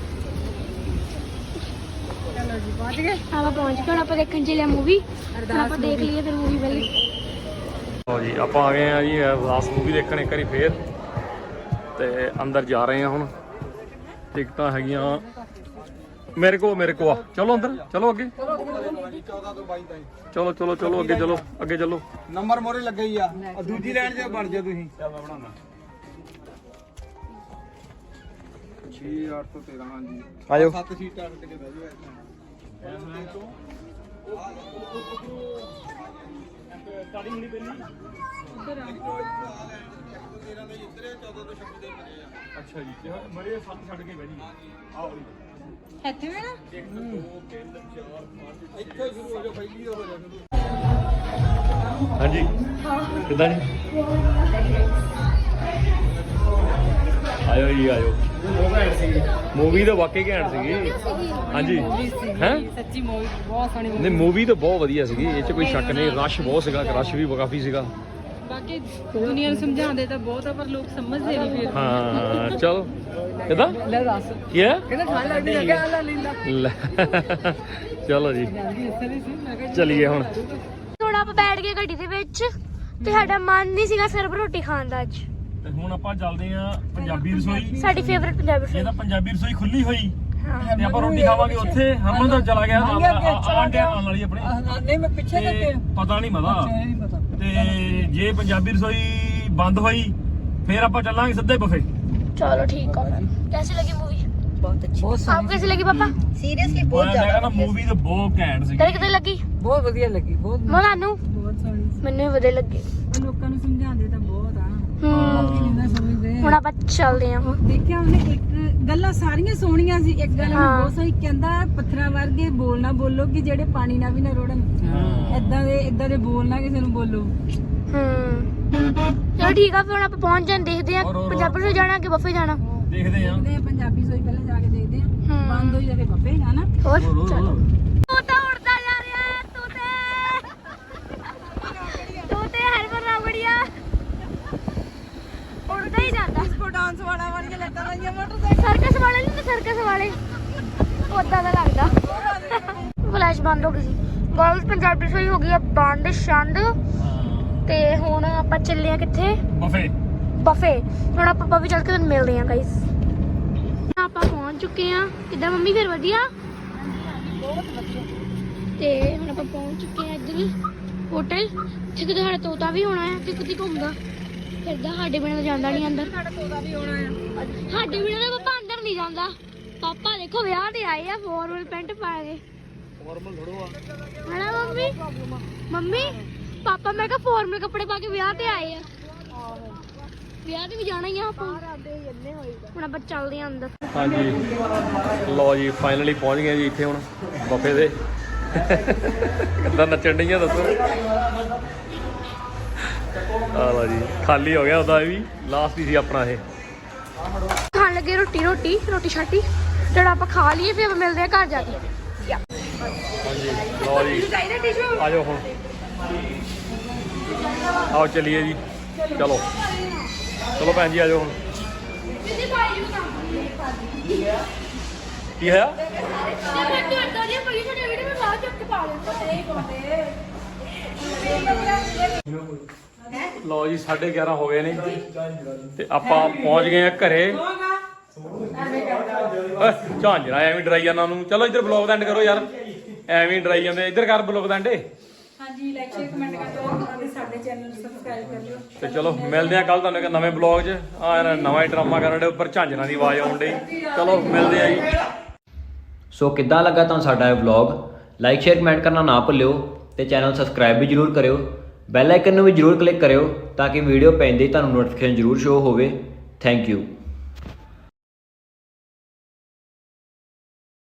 Speaker 2: ਚਲੋ ਜੀ ਪਹੁੰਚ ਗਏ
Speaker 5: ਆਪਾਂ ਪਹੁੰਚ ਗਏ ਹੁਣ ਆਪਾਂ ਦੇਖਣ ਚੱਲੇ ਮੂਵੀ ਆਪਾਂ ਦੇਖ ਲਈਏ ਫਿਰ ਮੂਵੀ ਪਹਿਲੇ
Speaker 1: ਲਓ ਜੀ ਆਪਾਂ ਆ ਗਏ ਆ ਜੀ ਅਰਦਾਸ ਮੂਵੀ ਦੇਖਣ ਇੱਕ ਵਾਰੀ ਫੇਰ ਤੇ ਅੰਦਰ ਜਾ ਰਹੇ ਆ ਹੁਣ ਟਿਕਟਾਂ ਹੈਗੀਆਂ ਮੇਰੇ ਕੋ ਮੇਰੇ ਕੋ ਆ ਚਲੋ ਅੰਦਰ ਚਲੋ ਅੱਗੇ ਚਲੋ ਚਲੋ ਚਲੋ ਅੱਗੇ ਚਲੋ ਅੱਗੇ ਚਲੋ
Speaker 6: ਨੰਬਰ ਮੋਰੇ ਲੱਗੇ ਹੀ ਆ ਆਹ ਦੂਜੀ ਲਾਈਨ 'ਚ ਬਣ ਜਾ ਤੁਸੀਂ ਚੱਲ ਮੈਂ ਬਣਾਉਣਾ ਛੇ ਅੱਠ ਤੋਂ ਤੇਰਾਂ ਹਾਂਜੀ
Speaker 3: ਆਜੋ
Speaker 6: ਸੱਤ ਸੀਟਾਂ ਟਿਕ ਕੇ ਬਹਿ ਜਾਓ
Speaker 1: ਅੱਛਾ ਜੀ ਮਰੇ ਸੱਤ ਛੱਡ ਕੇ ਬਹਿ ਜੀ ਆਓ
Speaker 2: ਇੱਥੇ ਵੀ ਨਾ
Speaker 6: ਇੱਥੋਂ ਸ਼ੁਰੂ ਹੋ ਜਾਓ ਪਹਿਲੀ ਹੋ ਜਾਓ
Speaker 1: ਹਾਂਜੀ ਕਿੱਦਾਂ ਜੀ ਆਇਓ ਜੀ ਆਇਓ ਮੂਵੀ ਤਾਂ ਵਾਕਈ ਘੈਂਟ ਸੀਗੀ ਹਾਂਜੀ ਹੈ
Speaker 2: ਸੱਚੀ ਮੂਵੀ ਬਹੁਤ ਸੋਹਣੀ
Speaker 1: ਨਹੀਂ ਮੂਵੀ ਤਾਂ ਬਹੁਤ ਵਧੀਆ ਸੀਗੀ ਇਹ 'ਚ ਕੋਈ ਸ਼ੱਕ ਨਹੀਂ ਰਸ਼ ਬਹੁਤ ਸੀਗਾ ਰਸ਼ ਵੀ ਕਾਫੀ ਸੀਗਾ
Speaker 2: ਬਾਕੀ ਦੁਨੀਆ ਨੂੰ ਸਮਝਾਉਂਦੇ ਤਾਂ ਬਹੁਤ ਆ ਪਰ ਲੋਕ ਸਮਝਦੇ ਨਹੀਂ ਫਿਰ
Speaker 1: ਹਾਂ ਚਲੋ ਕਿੱਦਾਂ
Speaker 2: ਲੈ ਦੱਸ
Speaker 1: ਕੀ ਹੈ
Speaker 2: ਕਹਿੰਦਾ ਠੰਡ ਲੱਗਦੀ ਲੱਗਾ ਅੱਲਾ ਲੀਲਾ
Speaker 1: ਲੈ, ਚਲੋ ਜੀ
Speaker 2: ਜਲਦੀ ਇਸ ਲਈ ਸੀ ਮੈਂ ਕਿਹਾ
Speaker 1: ਚਲੀਏ ਹੁਣ
Speaker 5: ਥੋੜਾ ਆਪਾਂ ਬੈਠ ਗਏ ਗੱਡੀ ਦੇ ਵਿੱਚ ਤੇ ਸਾਡਾ ਮਨ ਨਹੀਂ ਸੀਗਾ ਸਿਰਫ ਰੋਟੀ ਖਾਣ ਦਾ ਅੱਜ
Speaker 1: ਤੇ ਹੁਣ ਆਪਾਂ ਚੱਲਦੇ ਆ ਪੰਜਾਬੀ ਰਸੋਈ
Speaker 5: ਸਾਡੀ ਫੇਵਰਿਟ ਪੰਜਾਬੀ
Speaker 1: ਇਹ
Speaker 5: ਫੂਡ
Speaker 1: ਤਾਂ ਪੰਜਾਬੀ ਰਸੋਈ ਖੁੱਲੀ ਹੋਈ
Speaker 5: ਹਾਂ
Speaker 1: ਤੇ ਆਪਾਂ ਰੋਟੀ ਖਾਵਾਂਗੇ ਉੱਥੇ ਹਰਮਨ ਤਾਂ ਚਲਾ ਗਿਆ ਨਾਲ ਆਂਡਿਆਂ ਨਾਲ ਵਾਲੀ ਆਪਣੇ
Speaker 2: ਨਹੀਂ ਮੈਂ ਪਿੱਛੇ
Speaker 1: ਤੇ ਪਤਾ ਨਹੀਂ ਮਦਾ
Speaker 2: ਨਹੀਂ ਪਤਾ
Speaker 1: ਤੇ ਜੇ ਪੰਜਾਬੀ ਰਸੋਈ ਬੰਦ ਹੋਈ ਫੇਰ ਆਪਾਂ ਚੱਲਾਂਗੇ ਸਿੱਧੇ ਬੁਫੇ
Speaker 5: चलो ठीक है कैसी लगी मूवी
Speaker 2: ਬਹੁਤ ਅੱਛੀ ਬਹੁਤ
Speaker 5: आपको कैसी लगी पापा
Speaker 2: ਸੀਰੀਅਸਲੀ
Speaker 1: ਮੈਂ ਕਹਿੰਦਾ ਨਾ ਮੂਵੀ ਤਾਂ ਬਹੁਤ ਘੈਂਟ ਸੀ
Speaker 5: तेरे कितनी लगी
Speaker 2: ਬਹੁਤ ਵਧੀਆ ਲੱਗੀ ਬਹੁਤ
Speaker 5: मनानू
Speaker 2: ਬਹੁਤ ਸੋਹਣੀ
Speaker 5: मैंने भी वधिया लगी
Speaker 2: ਲੋਕਾਂ ਨੂੰ ਸਮਝਾਉਂਦੇ ਤਾਂ ਬਹੁਤ ਆ
Speaker 5: हम्म
Speaker 2: ਕਿੰਨਾ ਸਮਝਦੇ
Speaker 5: ਹੁਣ ਆਪਾਂ ਚੱਲਦੇ ਆਂ
Speaker 2: ਉਹ ਦੇਖਿਆ ਉਹਨੇ ਇੱਕ ਗੱਲਾਂ ਸਾਰੀਆਂ ਸੋਹਣੀਆਂ ਸੀ ਇੱਕ ਗੱਲ
Speaker 5: ਹਾਂ।
Speaker 2: ਬਹੁਤ ਸੋਹਣੀ ਕਹਿੰਦਾ ਪੱਥਰਾਂ ਵਰਗੇ ਬੋਲ ਨਾ ਬੋਲੋ ਕਿ ਜਿਹੜੇ ਪਾਣੀ ਨਾਲ ਵੀ ਨਾ ਰੋੜਨ ਏਦਾਂ ਦੇ ਏਦਾਂ ਦੇ ਬੋਲ ਨਾ ਕਿਸੇ ਨੂੰ ਬੋਲੋ
Speaker 5: ਹੂੰ ਚਲੋ ਠੀਕ ਆ ਫਿਰ ਹੁਣ ਆਪਾਂ ਪਹੁੰਚ ਜਾਣ ਦੇਖਦੇ ਆਂ
Speaker 1: ਹੋਰ, ਹੋਰ,
Speaker 5: ਪੰਜਾਬੀ ਤੋਂ ਜਾਣਾ ਕਿ ਬੱਫੇ ਜਾਣਾ
Speaker 1: ਦੇਖਦੇ ਆਂ
Speaker 2: ਦੇਖਦੇ ਆ ਪੰਜਾਬੀ ਸੋਈ ਪਹਿਲਾਂ ਜਾ ਕੇ ਦੇਖਦੇ ਆ
Speaker 5: ਹੂੰ।
Speaker 2: ਬੰਦ ਹੋਈ ਜਾਵੇ ਬੱਬੇ ਹਨਾ
Speaker 5: ਹੋਰ
Speaker 1: ਹੋਰ, ਹੋਰ,
Speaker 5: ਚਲੋ
Speaker 1: ਹੋਰ।
Speaker 5: ਤੋਤਾ ਉੜਦਾ ਜਾ ਰਿਹਾ ਹੈ ਤੋਤੇ ਤੋਤੇ ਹਰਮਨ ਰਾਵੜੀਆ ਉੜਦਾ ਹੀ ਜਾਂਦਾ
Speaker 2: ਕੋ ਡਾਂਸ ਵਾਲਾ ਵਾਲੀਆਂ ਲੱਤਾਂ ਲਾਈਆਂ ਮੋਟਰਸਾਈਕਲ
Speaker 5: ਸਰਕਸ ਵਾਲੇ ਨਹੀਂ ਸਰਕਸ ਵਾਲੇ ਉਦਾਂ ਦਾ ਲੱਗਦਾ ਫਲੈਸ਼ ਬੰਦ ਹੋ ਗਈ ਸੀ ਗਰਲਸ ਪੰਜਾਬੀ ਸੋਈ ਹੋ ਗਈ ਆ ਬੰਦ ਛੰਦ ਤੇ ਹੁਣ ਆਪਾਂ ਚੱਲੇ ਆ ਕਿੱਥੇ
Speaker 1: ਬੁਫੇ
Speaker 5: ਬਫੇ ਹੁਣ ਆਪਾਂ ਵੀ ਚੱਲ ਕੇ ਤੁਹਾਨੂੰ ਮਿਲਦੇ ਆ ਗਾਇਸ ਆਪਾਂ ਪਹੁੰਚ ਚੁੱਕੇ ਆ ਕਿੱਦਾਂ ਮੰਮੀ ਫਿਰ ਵਧੀਆ
Speaker 2: ਬਹੁਤ ਵਧੀਆ
Speaker 5: ਤੇ ਹੁਣ ਆਪਾਂ ਪਹੁੰਚ ਚੁੱਕੇ ਆ ਇੱਧਰ ਹੋਟਲ ਜਿੱਥੇ ਸਾਡਾ ਤੋਤਾ ਵੀ ਹੋਣਾ ਹੈ ਤੇ ਕਿਤੇ ਘੁੰਮਦਾ ਫਿਰਦਾ ਸਾਡੇ ਬਿਨਾਂ ਤਾਂ ਜਾਂਦਾ ਨਹੀਂ ਅੰਦਰ
Speaker 2: ਸਾਡਾ ਤੋਤਾ ਵੀ ਹੋਣਾ ਆ
Speaker 5: ਸਾਡੇ ਬਿਨਾਂ ਤਾਂ ਪਾਪਾ ਅੰਦਰ ਨਹੀਂ ਜਾਂਦਾ ਪਾਪਾ ਦੇਖੋ ਵਿਆਹ ਤੇ ਆਏ ਆ ਫਾਰਮਲ ਪੈਂਟ ਪਾ ਕੇ
Speaker 1: ਫਾਰਮਲ ਥੋੜੋ ਆ
Speaker 5: ਹਣਾ ਮੰਮੀ ਮੰਮੀ ਪਾਪਾ ਮੈਂ ਕਿਹਾ ਫਾਰਮਲ ਕੱਪੜੇ ਪਾ ਕੇ ਵਿਆਹ ਤੇ ਆਏ ਆ ਵਿਆਹ ਤੇ ਵੀ ਜਾਣਾ ਹੀ ਆ ਆਪਾਂ ਹੁਣ ਆਪਾਂ ਚੱਲਦੇ ਆ ਅੰਦਰ
Speaker 1: ਹਾਂਜੀ ਲਓ ਜੀ ਫਾਈਨਲੀ ਪਹੁੰਚ ਗਏ ਜੀ ਇੱਥੇ ਹੁਣ ਬਫੇ ਦੇ ਕਿੱਦਾਂ ਨੱਚਣ ਡਈਆਂ ਦੱਸੋ ਆ ਲਓ ਜੀ ਖਾਲੀ ਹੋ ਗਿਆ ਉਹਦਾ ਇਹ ਵੀ ਲਾਸਟ ਹੀ ਸੀ ਆਪਣਾ ਇਹ
Speaker 5: ਖਾਣ ਲੱਗੇ ਰੋਟੀ ਰੋਟੀ ਰੋਟੀ ਛਾਟੀ ਜਿਹੜਾ ਆਪਾਂ ਖਾ ਲਈਏ ਫਿਰ ਆਪਾਂ ਮਿਲਦੇ ਆ ਘਰ ਜਾ ਕੇ
Speaker 1: ਹਾਂਜੀ ਲਓ ਜੀ ਆ ਜਾਓ ਹੁਣ ਆਓ ਚੱਲੀਏ ਜੀ ਚਲੋ ਚਲੋ ਭੈਣ ਜੀ ਆ ਜਾਓ ਹੁਣ ਕੀ ਹੋਇਆ ਲਓ ਜੀ ਸਾਢੇ ਗਿਆਰਾਂ ਹੋ ਗਏ ਨੇ ਤੇ ਆਪਾਂ ਪਹੁੰਚ ਗਏ ਆ ਘਰੇ ਓਏ ਝਾਂਜਰਾ ਐਵੇਂ ਡਰਾਈ ਜਾਂਦਾ ਉਹਨੂੰ ਚਲੋ ਇੱਧਰ ਬਲੌਗ ਦਾ ਐਂਡ ਕਰੋ ਯਾਰ ਐਵੇਂ ਡਰਾਈ ਜਾਂਦੇ ਇੱਧਰ ਕਰ ਬਲੌਗ ਦਾ ਐਂਡ
Speaker 2: ਹਾਂਜੀ ਲਾਈਕ ਸ਼ੇਅਰ ਕਮੈਂਟ ਕਰ ਦਿਓ ਅਤੇ ਸਾਡੇ ਚੈਨਲ ਨੂੰ ਸਬਸਕ੍ਰਾਈਬ ਕਰ ਲਿਓ
Speaker 1: ਤੇ ਚਲੋ ਮਿਲਦੇ ਆ ਕੱਲ ਤੁਹਾਨੂੰ ਇੱਕ ਨਵੇਂ ਬਲੌਗ 'ਚ ਆ ਯਾਰ ਨਵਾਂ ਹੀ ਡਰਾਮਾ ਕਰਨ ਦੇ ਉੱਪਰ ਝਾਂਜਰਾਂ ਦੀ ਆਵਾਜ਼ ਆਉਣ ਡਈ ਚਲੋ ਮਿਲਦੇ ਆ ਜੀ
Speaker 3: ਸੋ ਕਿੱਦਾਂ ਲੱਗਾ ਤੁਹਾਨੂੰ ਸਾਡਾ ਇਹ ਵਲੌਗ ਲਾਈਕ ਸ਼ੇਅਰ ਕਮੈਂਟ ਕਰਨਾ ਨਾ ਭੁੱਲਿਓ ਤੇ ਚੈਨਲ ਸਬਸਕ੍ਰਾਈਬ ਵੀ ਜਰੂਰ ਕਰਿਓ ਬੈਲ ਆਈਕਨ ਨੂੰ ਵੀ ਜਰੂਰ ਕਲਿੱਕ ਕਰਿਓ ਤਾਂ ਕਿ ਵੀਡੀਓ ਪੈਂਦੇ ਹੀ ਤੁਹਾਨੂੰ ਨੋਟੀਫਿਕੇਸ਼ਨ ਜਰੂਰ ਸ਼ੋ ਹੋਵੇ ਥੈਂਕ ਯੂ